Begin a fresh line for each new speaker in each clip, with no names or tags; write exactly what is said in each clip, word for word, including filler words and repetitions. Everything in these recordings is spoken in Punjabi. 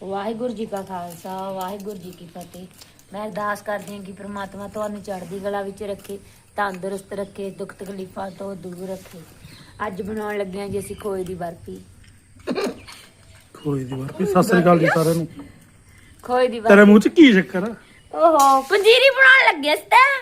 ਵਾਹਿਗੁਰੂ ਜੀ ਕਾ ਖਾਲਸਾ ਵਾਹਿਗੁਰੂ ਜੀ ਕੀ ਫਤਿਹ। ਮੈਂ ਅਰਦਾਸ ਕਰਦੀ ਹਾਂ ਕਿ ਪ੍ਰਮਾਤਮਾ ਤੁਹਾਨੂੰ ਚੜ੍ਹਦੀ ਕਲਾ ਵਿੱਚ ਰੱਖੇ, ਤੰਦਰੁਸਤ ਰੱਖੇ, ਦੁੱਖ ਤਕਲੀਫਾਂ ਤੋਂ ਦੂਰ ਰੱਖੇ। ਅੱਜ ਬਣਾਉਣ ਲੱਗੇ ਹਾਂ ਜੀ ਅਸੀਂ ਖੋਏ ਦੀ ਬਰਫੀ।
ਖੋਏ ਦੀ ਬਰਫੀ। ਸਤਿ ਸ੍ਰੀ ਅਕਾਲ ਜੀ ਸਾਰਿਆਂ ਨੂੰ।
ਖੋਏ ਦੀ
ਤੇਰੇ
ਬਰਫੀ।
ਮੂੰਹ 'ਚ ਕੀ ਚੱਕਰ ਆ?
ਓਹੋ ਪੰਜੀਰੀ ਬਣਾਉਣ ਲੱਗੇ ਸੀ ਤਾਂ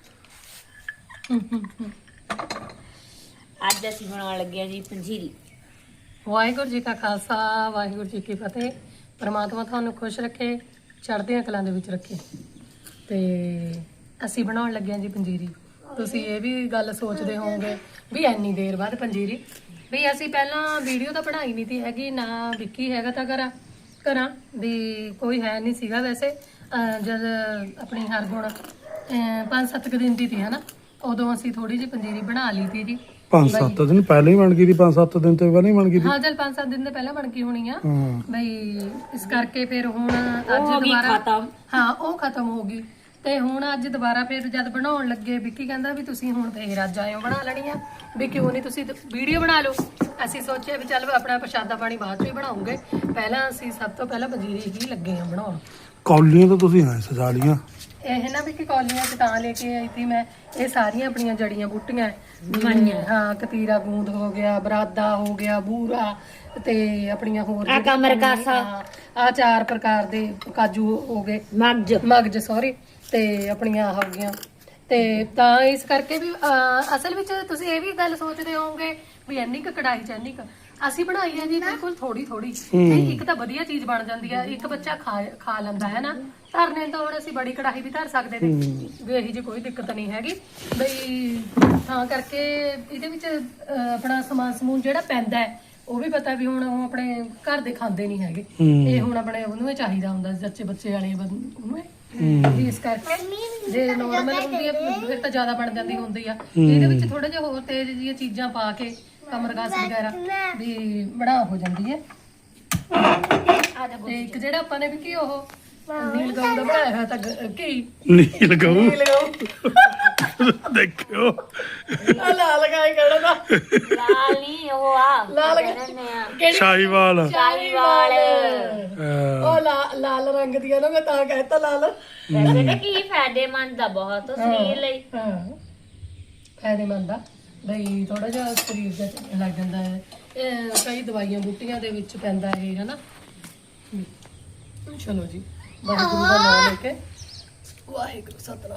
ਅੱਜ ਅਸੀਂ ਬਣਾਉਣ ਲੱਗੇ ਹਾਂ ਜੀ ਪੰਜੀਰੀ।
ਵਾਹਿਗੁਰੂ ਜੀ ਕਾ ਖਾਲਸਾ ਵਾਹਿਗੁਰੂ ਜੀ ਕੀ ਫਤਿਹ। ਪਰਮਾਤਮਾ ਤੁਹਾਨੂੰ ਖੁਸ਼ ਰੱਖੇ, ਚੜ੍ਹਦੀਆਂ ਕਲਾਂ ਦੇ ਵਿੱਚ ਰੱਖੇ। ਤੇ ਅਸੀਂ ਬਣਾਉਣ ਲੱਗੇ ਹਾਂ ਜੀ ਪੰਜੀਰੀ। ਤੁਸੀਂ ਇਹ ਵੀ ਗੱਲ ਸੋਚਦੇ ਹੋਵੋਗੇ ਵੀ ਇੰਨੀ ਦੇਰ ਬਾਅਦ ਪੰਜੀਰੀ। ਵੀ ਅਸੀਂ ਪਹਿਲਾਂ ਵੀਡੀਓ ਤਾਂ ਬਣਾਈ ਨਹੀਂ ਤੀ ਹੈਗੀ, ਨਾ ਵਿੱਕੀ ਹੈਗਾ ਤਾਂ ਘਰਾਂ ਘਰਾਂ ਵੀ ਕੋਈ ਹੈ ਨਹੀਂ ਸੀਗਾ। ਵੈਸੇ ਅਹ ਜਦ ਆਪਣੀ ਹਰਗੁਣ ਅਹ ਪੰਜ ਸੱਤ ਕੁ ਦਿਨ ਦੀ ਸੀ ਹਨਾ, ਉਦੋਂ ਅਸੀਂ ਥੋੜੀ ਜਿਹੀ ਪੰਜੀਰੀ ਬਣਾ ਲਈ ਤੀ ਜੀ।
ਪੰਜ ਸੱਤ ਦਿਨ ਪਹਿਲਾਂ ਹੀ ਬਣ ਗਈ ਸੀ। ਪੰਜ ਸੱਤ ਦਿਨ ਤੋਂ ਪਹਿਲਾਂ ਹੀ ਬਣ ਗਈ ਸੀ।
ਹਾਂ ਚਲ ਪੰਜ ਸੱਤ ਦਿਨ ਦੇ ਪਹਿਲਾਂ ਬਣ ਗਈ ਹੋਣੀ ਆ
ਹਾਂ
ਬਈ। ਇਸ ਕਰਕੇ ਫਿਰ ਹੁਣ ਅੱਜ
ਹੋ ਗਈ
ਦੁਬਾਰਾ
ਖਤਮ।
ਹਾਂ ਉਹ ਖਤਮ ਹੋ ਗਈ। ਤੇ ਹੁਣ ਅੱਜ ਦੁਬਾਰਾ ਫਿਰ ਜਦ ਬਣਾਉਣ ਲੱਗੇ ਵਿੱਕੀ ਕਹਿੰਦਾ ਵੀ ਤੁਸੀਂ ਹੁਣ ਫੇਰ ਅੱਜ ਆਇਓ ਬਣਾ ਲੈਣੀ ਆ, ਵੀ ਕਿਉਂ ਨਹੀਂ ਤੁਸੀਂ ਵੀਡੀਓ ਬਣਾ ਲਓ। ਅਸੀਂ ਸੋਚਿਆ ਵੀ ਚੱਲ ਆਪਣਾ ਪ੍ਰਸ਼ਾਦਾ ਪਾਣੀ ਬਾਅਦ ਚ ਹੀ ਬਣਾਉਂਗੇ, ਪਹਿਲਾਂ ਅਸੀਂ ਸਭ ਤੋਂ ਪਹਿਲਾਂ ਪੰਜੀਰੀ ਹੀ ਲੱਗੇ ਆ ਬਣਾਉਣ।
ਕੌਲੀਆਂ ਤਾਂ ਤੁਸੀਂ ਹਾਂ ਸਜਾ ਲੀਆਂ।
ਇਹ ਨਾ ਵੀ ਕਿ ਕੌਲੀਆਂ ਚ ਤਾਂ ਲੈ ਕੇ ਆਈ ਸੀ ਮੈਂ। ਇਹ ਸਾਰੀਆਂ ਆਪਣੀਆਂ ਜੜੀਆਂ ਬੂਟੀਆਂ
ਬਣੀਆਂ।
ਹਾਂ, ਕਤੀਰਾ ਗੂੰਦ ਹੋ ਗਿਆ, ਬਰਾਦਾ ਹੋ ਗਿਆ, ਬੂਰਾ ਤੇ ਆਪਣੀਆਂ ਹੋਰ
ਆ ਕਮਰ ਕਾਸਾ,
ਆ ਚਾਰ ਪ੍ਰਕਾਰ ਦੇ ਕਾਜੂ ਹੋ ਗਏ,
ਮਗਜ
ਮਗਜ ਸੌਰੀ, ਤੇ ਆਪਣੀਆਂ ਹੋ ਗਈਆਂ। ਤੇ ਤਾਂ ਇਸ ਕਰਕੇ ਵੀ ਅਹ, ਅਸਲ ਵਿੱਚ ਤੁਸੀਂ ਇਹ ਵੀ ਗੱਲ ਸੋਚਦੇ ਹੋਵੋਗੇ ਵੀ ਇੰਨੀ ਕੁ ਕੜਾਈ ਚ ਇੰਨੀ ਕੁ ਅਸੀਂ ਬਣਾਈ ਆ ਜੀ ਬਿਲਕੁਲ ਥੋੜੀ ਥੋੜੀ। ਇੱਕ ਤਾਂ ਵਧੀਆ ਚੀਜ਼ ਬਣ ਜਾਂਦੀ ਆ, ਇੱਕ ਬੱਚਾ ਖਾ ਖਾ ਲੈਂਦਾ ਹੈ ਨਾ। ਧਰਨੇ ਤਾਂ ਹੁਣ ਅਸੀਂ ਬੜੀ ਕੜਾਹੀ ਵੀ ਧਰ ਸਕਦੇ ਨੇ ਵੀ, ਇਹੀ ਜੀ ਕੋਈ ਦਿੱਕਤ ਨਹੀਂ ਹੈਗੀ ਬਈ। ਤਾਂ ਕਰਕੇ ਇਹਦੇ ਵਿੱਚ ਅਹ, ਆਪਣਾ ਸਮਾਨ ਸਮੂਨ ਜਿਹੜਾ ਪੈਂਦਾ ਹੈ ਉਹ ਵੀ ਪਤਾ ਵੀ ਹੁਣ ਉਹ ਆਪਣੇ ਘਰ ਦੇ ਖਾਂਦੇ ਨਹੀਂ ਹੈਗੇ। ਇਹ ਹੁਣ ਆਪਣੇ ਉਹਨੂੰ ਹੀ ਚਾਹੀਦਾ ਹੁੰਦਾ ਸੱਚੇ ਬੱਚੇ ਵਾਲੇ ਉਹਨੂੰ ਵੀ। ਇਸ ਕਰਕੇ ਜੇ ਨੋਰਮਲ ਹੁੰਦੀ ਆ ਫਿਰ ਤਾਂ ਜ਼ਿਆਦਾ ਬਣ ਜਾਂਦੀ ਹੁੰਦੀ ਆ। ਇਹਦੇ ਵਿੱਚ ਥੋੜਾ ਜਿਹਾ ਹੋਰ ਤੇਜ਼ ਜਿਹੀਆਂ ਚੀਜ਼ਾਂ ਪਾ ਕੇ ਕਮਰਗਾਸ ਵਗੈਰਾ ਵੀ ਬਣਾ ਹੋ ਜਾਂਦੀ ਹੈ। ਤੇ ਇੱਕ ਜਿਹੜਾ ਆਪਾਂ ਨੇ ਵੀ ਕੀ ਉਹ ਨੀਲ ਗਾਉਂ ਦਾ ਬਣਾਇਆ ਹੋਇਆ ਤਾਂ ਕੀ
ਨੀਲ ਗਊ
ਨੀਲ ਗਾਉਂ
ਦੇਖਿਓ।
ਆ ਲਾਲ ਗਾਇ ਕਿਹੜਾ ਦਾ
ਲਾਲ ਨਹੀਂ ਉਹ ਆ
ਲਾਲ
ਕਹਿੰਦੇ ਆ
ਕਿਹੜੀ
ਸ਼ਾਹੀਵਾਲ।
ਸ਼ਾਹੀਵਾਲ।
ਅਹ,
ਉਹ ਲਾ- ਲਾਲ ਰੰਗ ਦੀ ਆ ਨਾ, ਮੈਂ ਤਾਂ ਕਹਿਤਾ ਲਾਲ।
ਵੈਸੇ ਤਾਂ ਕੀ ਫਾਇਦੇਮੰਦ ਆ ਬਹੁਤ ਸਰੀਰ ਲਈ।
ਹਾਂ ਫਾਇਦੇਮੰਦ ਆ ਬਈ, ਥੋੜਾ ਜਿਹਾ ਸਰੀਰ ਦਾ ਲੱਗ ਜਾਂਦਾ ਹੈ। ਇਹ ਕਈ ਦਵਾਈਆਂ ਬੂਟੀਆਂ ਦੇ ਵਿੱਚ ਪੈਂਦਾ ਇਹ ਹਨਾ। ਚਲੋ ਜੀ, ਵਾਹਿਗੁਰੂ ਦਾ ਨਾਮ ਲੈ ਕੇ ਵਾਹਿਗੁਰੂ ਸਤਨਾਮ।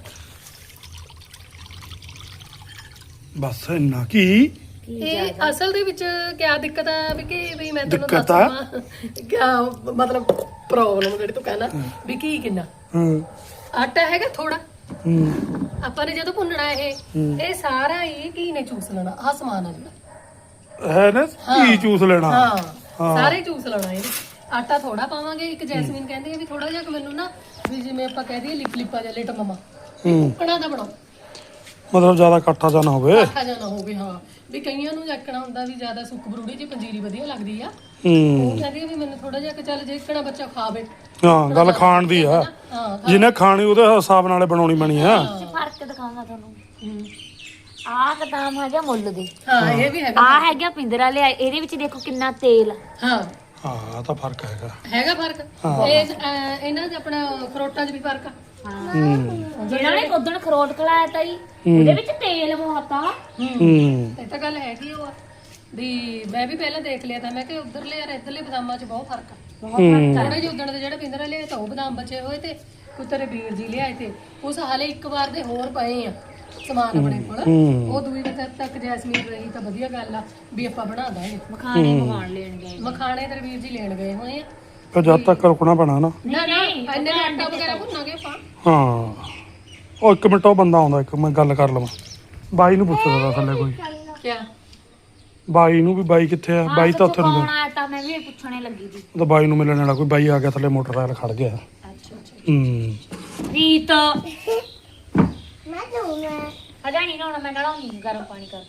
ਬਸ ਇੰਨਾ ਕੀ
ਇਹ ਅਸਲ ਦੇ ਵਿੱਚ ਕਿਆ ਦਿੱਕਤ ਆ ਵੀ ਕਿ ਵੀ ਮੈਂ ਤੁਹਾਨੂੰ
ਦਿੱਕਤ ਆ?
ਦੱਸਾਂ ਕਿਆ ਮਤਲਬ ਪ੍ਰੋਬਲਮ ਜਿਹੜੀ ਤੂੰ ਕਹਿੰਦਾ ਵੀ ਕੀ ਕਿੰਨਾ
ਹੂੰ
ਆਟਾ ਹੈਗਾ ਥੋੜਾ।
ਹੂੰ
ਆਪਾਂ ਨੇ ਜਦੋਂ ਭੁੰਨਣਾ ਇਹ ਇਹ ਸਾਰਾ ਹੀ ਘੀ ਨੇ ਚੂਸ ਲੈਣਾ। ਆਹ ਸਮਾਨ ਆ ਜਿਹੜਾ
ਹੈ ਨਾ ਕੀ ਚੂਸ ਲੈਣਾ।
ਹਾਂ
ਹਾਂ।
ਸਾਰੇ ਚੂਸ ਲੈਣਾ ਇਹ। ਆਟਾ ਥੋੜਾ ਪਾਵਾਂਗੇ। ਇੱਕ ਜੈਸਮੀਨ ਕਹਿੰਦੀ ਹੈ ਵੀ ਥੋੜਾ ਜਿਹਾ ਮੈਨੂੰ ਨਾ ਵੀ ਜਿਵੇਂ ਆਪਾਂ ਕਹਿ ਦਈਏ ਲਿਪ ਲਿਪਾ ਜਿਹਾ ਲਿਟ ਮਮਾ
ਹੂੰ
ਕਣਾ ਦਾ ਬਣਾਓ,
ਮਤਲਬ ਜ਼ਿਆਦਾ ਇਕੱਠਾ ਜਾਂ ਨਾ ਹੋਵੇ।
ਆਟਾ ਜਾਂ ਨਾ ਹੋਵੇ। ਹਾਂ ਵੀ ਕਈਆਂ ਨੂੰ ਜੱਕਣਾ ਹੁੰਦਾ ਵੀ ਜ਼ਿਆਦਾ ਸੁੱਕ ਬਰੂੜੀ ਜੀ ਪੰਜੀਰੀ ਵਧੀਆ ਲੱਗਦੀ ਆ।
ਹੂੰ
ਉਹ ਕਹਿੰਦੀ ਆ ਵੀ ਮੈਨੂੰ ਥੋੜਾ ਜਿਹਾ ਕਿ ਚੱਲ ਜੇ ਕਣਾ ਬੱਚਾ ਖਾਵੇ।
ਹਾਂ ਗੱਲ ਖਾਣ ਦੀ ਆ।
ਹਾਂ
ਜਿਹਨੇ ਖਾਣੀ ਉਹਦੇ ਹਿਸਾਬ ਨਾਲ ਬਣਾਉਣੀ ਬਣੀ ਆ।
ਫਰਕ ਦਿਖਾਉਂਦਾ ਤੁਹਾਨੂੰ।
ਹੂੰ।
ਆਹ ਕਦਾਮ ਹੈਗਾ ਮੁੱਲ ਦੇ,
ਹਾਂ ਇਹ ਵੀ ਹੈਗਾ।
ਆਹ ਹੈਗਾ ਪਿੰਦਰਾ ਲਿਆ। ਇਹਦੇ ਵਿੱਚ ਦੇਖੋ ਕਿੰਨਾ ਤੇਲ।
ਹਾਂ
ਹਾਂ ਤਾਂ ਫਰਕ ਹੈਗਾ।
ਹੈਗਾ ਫਰਕ। ਇਹ ਅਹ, ਇਹਨਾਂ 'ਚ ਆਪਣਾ ਖਰੋਟਾਂ 'ਚ ਵੀ ਫਰਕ ਆ।
ਹੂੰ
ਜਿਹੜਾ ਨੇ ਉਦੋਂ ਖਰੋਟ ਖਲਾਇਆ ਤਾ ਜੀ ਉਹਦੇ ਵਿੱਚ ਤੇਲ ਬਹੁਤ ਆ।
ਹੂੰ
ਇਹ ਤਾਂ ਗੱਲ ਹੈਗੀ ਉਹ ਆ ਵੀ ਮੈਂ ਵੀ ਪਹਿਲਾਂ ਦੇਖ ਲਿਆ ਤਾਂ ਮੈਂ ਕਿ ਉਧਰਲੇ ਯਾਰ ਇਧਰਲੇ ਬਦਾਮਾਂ 'ਚ ਬਹੁਤ ਫਰਕ ਆ।
ਬਹੁਤ ਫਰਕ ਆ।
ਥੋੜੇ ਜਿਹੇ ਉਦਣ ਦੇ ਜਿਹੜੇ ਪਿੰਦਰਾ ਲਿਆਏ ਤਾਂ ਉਹ ਬਦਾਮ ਬਚੇ ਹੋਏ ਤੇ ਕੋਈ ਤੇਰੇ ਵੀਰ ਜੀ ਲਿਆਏ ਤੇ ਉਸ ਹਾਲੇ ਇੱਕ ਵਾਰ ਦੇ ਹੋਰ ਪਏ ਆ ਸਮਾਨ ਆਪਣੇ ਕੋਲ। ਉਹ ਦੂਈ ਵਜੇ ਤੱਕ ਜੈਸਮੀਨ ਰਹੀ ਤਾਂ ਵਧੀਆ ਗੱਲ ਆ ਵੀ ਆਪਾਂ ਬਣਾ ਦਾਂਗੇ।
ਮਖਾਣੇ ਮਖਾਣ ਲੈਣ ਗਏ।
ਮਖਾਣੇ ਤੇਰੇ ਵੀਰ ਜੀ ਲੈਣ ਗਏ ਹੋਏ ਆ।
ਪਰ ਜਦ ਤੱਕ ਰੁਕਣਾ ਪੈਣਾ ਨਾ।
ਨਾ ਨਾ ਇੰਨੇ ਦਾ ਆਟਾ ਵਗੈਰਾ ਭੁੰਨਾਂਗੇ ਆਪਾਂ।
ਹਾਂ ਉਹ ਇੱਕ ਮਿੰਟ ਉਹ ਬੰਦਾ ਆਉਂਦਾ, ਇੱਕ ਮੈਂ ਗੱਲ ਕਰ ਲਵਾਂ। ਬਾਈ ਨੂੰ ਪੁੱਛਦਾ ਤਾ ਥੱਲੇ ਕੋਈ।
ਕਿਆ
ਬਾਈ ਨੂੰ ਵੀ ਬਾਈ ਕਿੱਥੇ ਆ? ਬਾਈ ਤਾਂ ਉੱਥੇ ਨੂੰ
ਕੌਣ ਆਇਆ ਤਾਂ ਮੈਂ ਵੀ ਪੁੱਛਣੇ ਲੱਗੀ ਸੀ।
ਤਾਂ ਬਾਈ ਨੂੰ ਮਿਲਣ ਵਾਲਾ ਕੋਈ ਬਾਈ ਆ ਗਿਆ ਥੱਲੇ, ਮੋਟਰਸਾਈਕਲ ਖੜ ਗਿਆ।
ਅੱਛਾ ਅੱਛਾ।
ਹੂੰ
ਰੀਤ ਮੈਂ ਦੂੰਗਾ ਹਜਾ ਨਹੀਂ ਨਾ ਮੈਂ ਨਲਾਉਂਗੀ ਗਰਮ ਪਾਣੀ ਕਰ।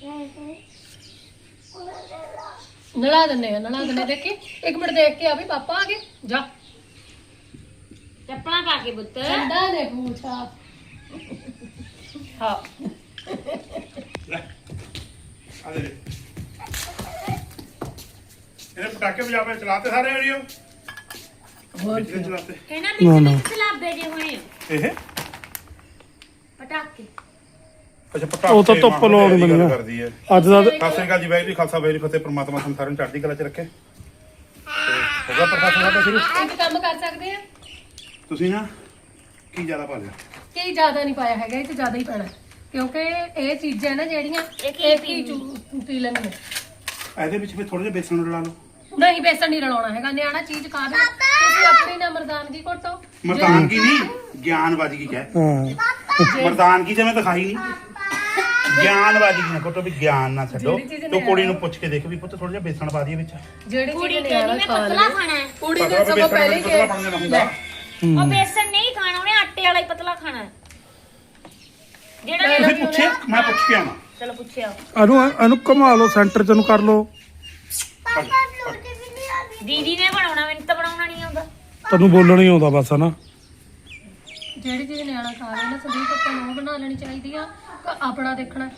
ਨਲਾ ਦਿੰਨੇ ਆ ਨਲਾ ਦਿੰਨੇ। ਦੇਖੀ ਇੱਕ ਮਿੰਟ ਦੇਖ ਕੇ ਆ ਵੀ ਪਾਪਾ ਆ ਗਏ। ਜਾ
ਚੱਪਲਾਂ ਪਾ ਕੇ ਪੁੱਤ।
ਠੰਡਾ ਨੇ ਪੂਛਾ। ਹਾਂ
ਇਹਨੇ ਪਟਾਕੇ ਵਜਾ ਕੇ ਚਲਾਤੇ ਸਾਰੇ ਏਰੀਓ।
ਹੋਰ
ਬਿਜਲੀ ਚਲਾਤੇ
ਇਹਨਾਂ
ਨਾ,
ਵਿੱਚ
ਨਾ।
ਮਿਕਸ ਲਾਬੇ ਜੇ ਹੋਏ ਆ,
ਇਹ
ਪਟਾਕੇ।
ਅੱਛਾ ਪਟਾਕੇ
ਉਹ ਤਾਂ ਧੁੱਪ
ਮਾਮਾ
ਲਾਉਣ
ਦੀ ਗੱਲ
ਬਣੀਆਂ।
ਕਰਦੀ ਹੈ।
ਅੱਜ ਦਾ
ਸਤਿ ਸ੍ਰੀ ਅਕਾਲ ਜੀ, ਵਾਹਿਗੁਰੂ ਜੀ ਖਾਲਸਾ ਵਾਹਿਗੁਰੂ ਜੀ ਫਤਿਹ। ਪ੍ਰਮਾਤਮਾ ਤੁਹਾਨੂੰ ਸਾਰਿਆਂ ਨੂੰ ਚੜ੍ਹਦੀ ਕਲਾ 'ਚ ਰੱਖੇ। ਤੇ ਹੋਗਾ ਪ੍ਰਕਾਸ਼ ਸਾਡਾ ਸ਼ੁਰੂ।
ਇੱਕ ਕੰਮ ਕਰ ਸਕਦੇ ਆ
ਤੁਸੀਂ ਨਾ ਕੀ ਜ਼ਿਆਦਾ ਪਾ ਲਿਆ?
ਕਿ ਜ਼ਿਆਦਾ ਨਹੀਂ ਪਾਇਆ ਹੈਗਾ, ਇਹ ਤੇ ਜ਼ਿਆਦਾ ਹੀ ਪੈਣਾ ਕਿਉਂਕਿ ਇਹ ਚੀਜ਼ਾਂ ਨਾ ਜਿਹੜੀਆਂ
ਇਹ ਕੀ
ਇਹ ਕੀ ਚੂ- ਪੀ ਲੈਣੀਆਂ।
ਇਹਦੇ ਵਿੱਚ ਫਿਰ ਥੋੜਾ ਜਿਹਾ ਬੇਸਣ ਰਲਾ ਲਓ।
ਨਹੀਂ ਬੇਸਣ ਨਹੀਂ ਰਲਾਉਣਾ ਹੈਗਾ, ਨਿਆਣਾ ਚੀਜ਼ ਖਾ ਦੇ। ਤੁਸੀਂ ਆਪਣੀ ਨਾ ਮਰਦਾਨਗੀ ਘੋਟੋ।
ਮਰਦਾਨਗੀ ਨਹੀਂ, ਗਿਆਨਬਾਜ਼ੀ ਕੀ ਕਹਿ।
ਹਾਂ
ਮਰਦਾਨਗੀ ਜਿਵੇਂ ਦਿਖਾਈ ਨਹੀਂ, ਗਿਆਨਬਾਜ਼ੀ ਨਾ ਕੋਟੋ ਵੀ ਗਿਆਨ ਨਾ ਛੱਡੋ।
ਜਿਹੜੀ ਚੀਜ਼
ਤੂੰ ਕੁੜੀ ਨੂੰ ਪੁੱਛ ਕੇ ਦੇਖ ਵੀ ਪੁੱਤ ਥੋੜਾ ਜਿਹਾ ਬੇਸਣ ਪਾ ਦਈਏ ਵਿੱਚ।
ਜਿਹੜੀ
ਕੁੜੀ
ਚੀਜ਼
ਕਹਿੰਦੀ
ਨਿਆਣਾ
ਮੈਂ
ਖਾ
ਪਤਲਾ
ਲਵੇ
ਖਾਣਾ ਹੈ,
ਕੁੜੀ
ਪਤਾ
ਨੇ
ਵੀ
ਸਭ
ਬੇਸਣ
ਪਹਿਲੇ
ਪਤਲਾ ਬਣ ਜਾਣਾ ਹੁੰਦਾ।
ਉਹ ਬੇਸਣ ਨਹੀਂ ਖਾਣਾ, ਉਹਨੇ ਆਟੇ ਵਾਲਾ ਹੀ ਪਤਲਾ ਖਾਣਾ ਹੈ। ਜਿਹੜਾ
ਤੁਸੀਂ ਪੁੱਛਿਆ, ਮੈਂ ਪੁੱਛ ਕੇ ਆਵਾਂ।
ਚਲੋ ਪੁੱਛਿਆ
ਇਹਨੂੰ ਇਹਨੂੰ ਘੁਮਾ ਲਓ ਸੈਂਟਰ ਚ ਨੂੰ ਕਰ ਲਓ।
ਦੀਦੀ ਨੇ ਬਣਾਉਣਾ, ਮੈਨੂੰ ਤਾਂ ਬਣਾਉਣਾ ਨਹੀਂ ਆਉਂਦਾ।
ਤੈਨੂੰ ਬੋਲਣਾ ਹੀ ਆਉਂਦਾ ਬਸ ਹਨਾ।
ਜਿਹੜੀ ਚੀਜ਼ ਨਿਆਣਾ ਖਾ ਲੈ ਨਾ ਸੰਦੀਪ ਆਪਾਂ ਨੂੰ ਉਹ ਬਣਾ ਲੈਣੀ ਚਾਹੀਦੀ ਆ। ਕ- ਆਪਣਾ ਦੇਖਣਾ,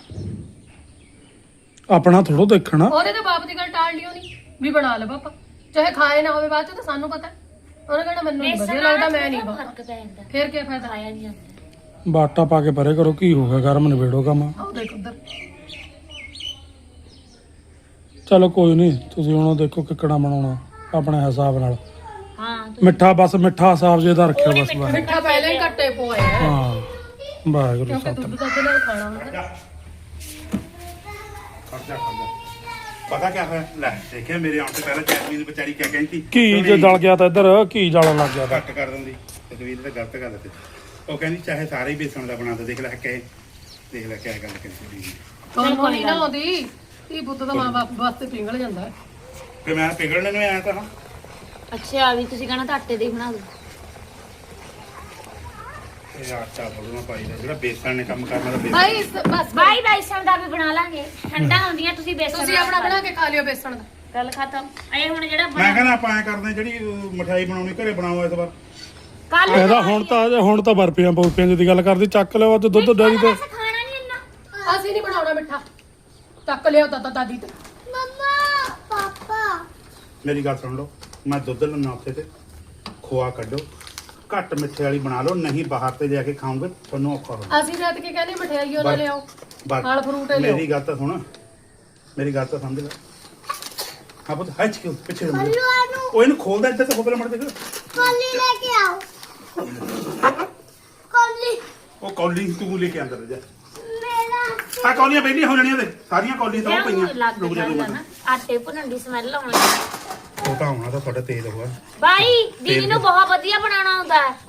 ਆਪਣਾ ਥੋੜੋ ਦੇਖਣਾ।
ਉਹਦੇ ਤਾਂ ਬਾਪ ਦੀ ਗੱਲ ਟਾਲ ਲਿਓ ਨਹੀਂ ਵੀ ਬਣਾ ਲੈ ਪਾਪਾ, ਚਾਹੇ ਖਾਏ ਨਾ ਹੋਵੇ ਬਾਅਦ ਚ ਤਾਂ ਸਾਨੂੰ ਪਤਾ। ਉਹਨੇ ਕਹਿਣਾ ਮੈਨੂੰ ਨੀ ਵਧੀਆ ਲੱਗਦਾ, ਮੈਂ ਨਹੀਂ ਬਾਪਾ।
ਫਰਕ ਪੈ ਜਾਂਦਾ,
ਫਿਰ ਕੀ ਫਾਇਦਾ?
ਖਾਇਆ ਨਹੀਂ ਜਾਂਦਾ।
ਬਾਟਾ ਪਾ ਕੇ ਪਰੇ ਕਰੋ, ਕੀ ਹੋ ਗਿਆ ਗਰਮ ਨਿਬੇੜੋ ਕੰਮ।
ਆਹ ਦੇਖ ਉਧਰ
ਚਲੋ ਕੋਈ ਨਹੀਂ, ਤੁਸੀਂ ਹੁਣ ਦੇਖੋ ਕਿੱਕਣਾ ਬਣਾਉਣਾ ਆਪਣੇ ਹਿਸਾਬ ਨਾਲ।
ਹਾਂ
ਮਿੱਠਾ ਬਸ ਮਿੱਠਾ ਹਿਸਾਬ ਜੇ ਦਾ ਰੱਖਿਓ ਬਸ ਬਸ।
ਮਿੱਠਾ ਪਹਿਲਾਂ ਹੀ ਘੱਟੇ ਪੋਏ ਆ
ਹਾਂ ਵਾਹਿਗੁਰੂ
ਕਿਉਂਕਿ
ਸਾਹਿਬ।
ਦੁੱਧ ਦੁੱਧ ਨਾਲ ਖਾਣਾ ਹੁੰਦਾ।
ਖਰਚਾ ਖਰਚਾ ਪਤਾ ਕਿਆ ਹੋਇਆ? ਲੈ ਦੇਖਿਆ ਮੇਰੇ ਆਉਣ ਤੋਂ ਪਹਿਲਾਂ ਜੈਸਮੀਨ ਵਿਚਾਰੀ ਕਿਆ ਕਹਿੰਦੀ?
ਘੀ ਜੇ ਜਲ ਗਿਆ ਤਾਂ ਇੱਧਰ ਘੀ ਜਲਣ ਲੱਗ ਗਿਆ ਤਾਂ।
ਘੱਟ ਕਰ ਦਿੰਦੀ। ਤਕਵੀਰ ਤਾਂ ਗਲਤ ਗੱਲ ਤੇ ਉਹ ਕਹਿੰਦੀ ਚਾਹੇ ਸਾਰੇ ਹੀ ਬੇਸਣ ਦਾ ਬਣਾ ਦੇ। ਦੇਖ ਲੈ ਕਹੇ, ਦੇਖ ਲੈ ਕਿਆ ਗੱਲ ਕਹਿੰਦੀ।
ਤੁਹਾਨੂੰ ਨਹੀਂ ਨਾ ਆਉਂਦੀ ਇਹ ਪੁੱਤ ਦਾ ਮਾਂ ਬਾਪ ਵਾਸਤੇ ਪਿੰਗਲ ਜਾਂਦਾ ਹੈ।
ਤੇ ਮੈਂ ਪਿਘਲਣ ਨੂੰ ਆਇਆ ਤਾਂ ਹਾਂ।
ਅੱਛਾ ਵੀ ਤੁਸੀਂ ਕਹਣਾ ਤਾਂ ਆਟੇ ਦੇ ਹੀ ਬਣਾ ਦਿਓ।
ਇਹ ਆਟਾ ਬੋਲਣਾ ਪਾਈ ਦਾ ਜਿਹੜਾ ਬੇਸਣ ਨੇ ਕੰਮ ਕਰਨਾ ਦਾ ਬੇਸਣ।
ਭਾਈ ਇਸ- ਬਸ
ਬਾਈ ਬੇਸਣ ਦਾ ਵੀ ਬਣਾ ਲਾਂਗੇ, ਠੰਡਾ ਹੁੰਦੀਆਂ ਤੁਸੀਂ ਬੇਸਣ
ਤੁਸੀਂ ਆਪਣਾ ਬਣਾ ਕੇ ਖਾ ਲਿਓ ਬੇਸਣ ਦਾ।
ਗੱਲ ਖਤਮ। ਇਹ ਹੁਣ ਜਿਹੜਾ
ਮੈਂ ਕਹਿੰਦਾ ਆਪਾਂ ਐ ਕਰਦੇ ਜਿਹੜੀ ਅਹ, ਮਠਿਆਈ ਬਣਾਉਣੀ ਘਰੇ ਬਣਾਓ ਇਸ ਵਾਰ।
ਕੱਲ
ਇਹਦਾ ਹੁਣ ਤਾਂ ਹੁਣ ਤਾਂ ਬਰਫੀਆਂ ਬਰਫੀਆਂ ਦੀ ਗੱਲ ਕਰਦੀ। ਚੱਕ ਲਿਓ ਅੱਜ ਦੁੱਧ ਡੈਰੀ ਤੇ।
ਖਾਣਾ ਨਹੀਂ ਇੰਨਾ।
ਅਸੀਂ ਨਹੀਂ ਬਣਾਉਣਾ ਮਿੱਠਾ, ਚੱਕ ਲਿਓ ਦਾਦਾ ਦਾਦੀ ਤੇ।
ਮੰਮਾ ਪਾਪਾ
ਮੇਰੀ ਗੱਲ ਸੁਣ ਲਓ, ਮੈਂ ਦੁੱਧ ਲੈਣਾ ਉੱਥੇ ਤੇ ਖੋਆ ਕੱਢੋ, ਘੱਟ ਮਿੱਠੇ ਵਾਲੀ ਬਣਾ ਲਓ, ਨਹੀਂ ਬਾਹਰ ਤੇ ਜਾ ਕੇ ਖਾਓਗੇ ਤੁਹਾਨੂੰ ਔਖਾ ਹੋਣਾ।
ਅਸੀਂ ਰਾਤ ਕੇ ਕਹਿੰਦੇ ਮਠਿਆਈ ਉਹ ਨਾ ਲਿਆਓ,
ਬਸ
ਫਲ ਫਰੂਟ ਲਿਆਓ।
ਮੇਰੀ ਗੱਲ ਤਾਂ ਸੁਣ, ਮੇਰੀ ਗੱਲ ਤਾਂ ਸਮਝ ਲੈ। ਹਾਂ ਪੁੱਤ ਹੱਚ ਕਿਉਂ ਪਿੱਛੇ ਹੋ ਜਾ। ਉਹ ਇਹਨੂੰ ਖੋਲਦਾ ਇੱਧਰ ਤੇ ਖੋਪਲੇ ਮੜ ਦੇਖ।
ਕੋਲੀ ਲੈ ਕੇ ਆਓ ਕੋਲੀ
ਉਹ ਕੌਲੀ ਤੂੰ ਲੈ ਕੇ ਅੰਦਰ ਜਾ।
ਮੇਰਾ
ਆ ਕੌਲੀਆਂ ਬੈਠੀਆਂ ਹੋ ਜਾਣੀਆਂ ਤੇ ਸਾਰੀਆਂ ਕੌਲੀਆਂ ਤਾਂ ਉਹ
ਕਿਉਂ
ਪਈਆਂ।
ਲੱਗ
ਰੁਕ ਜਾ ਤੂੰ
ਜਾਂਦਾ
ਮਿੰਟ।
ਨਾ ਆਟੇ ਭੁੰਨਣ ਦੀ ਸਮੈਲ ਆਉਣ ਲੱਗੀ।
ਉਹ ਤਾਂ ਹੋਣਾ ਤਾਂ ਤੁਹਾਡਾ ਤੇਜ਼ ਹੋਇਆ।
ਬਾਈ ਦੀਦੀ ਨੂੰ ਬਹੁਤ ਵਧੀਆ ਬਣਾਉਣਾ ਆਉਂਦਾ ਹੈ।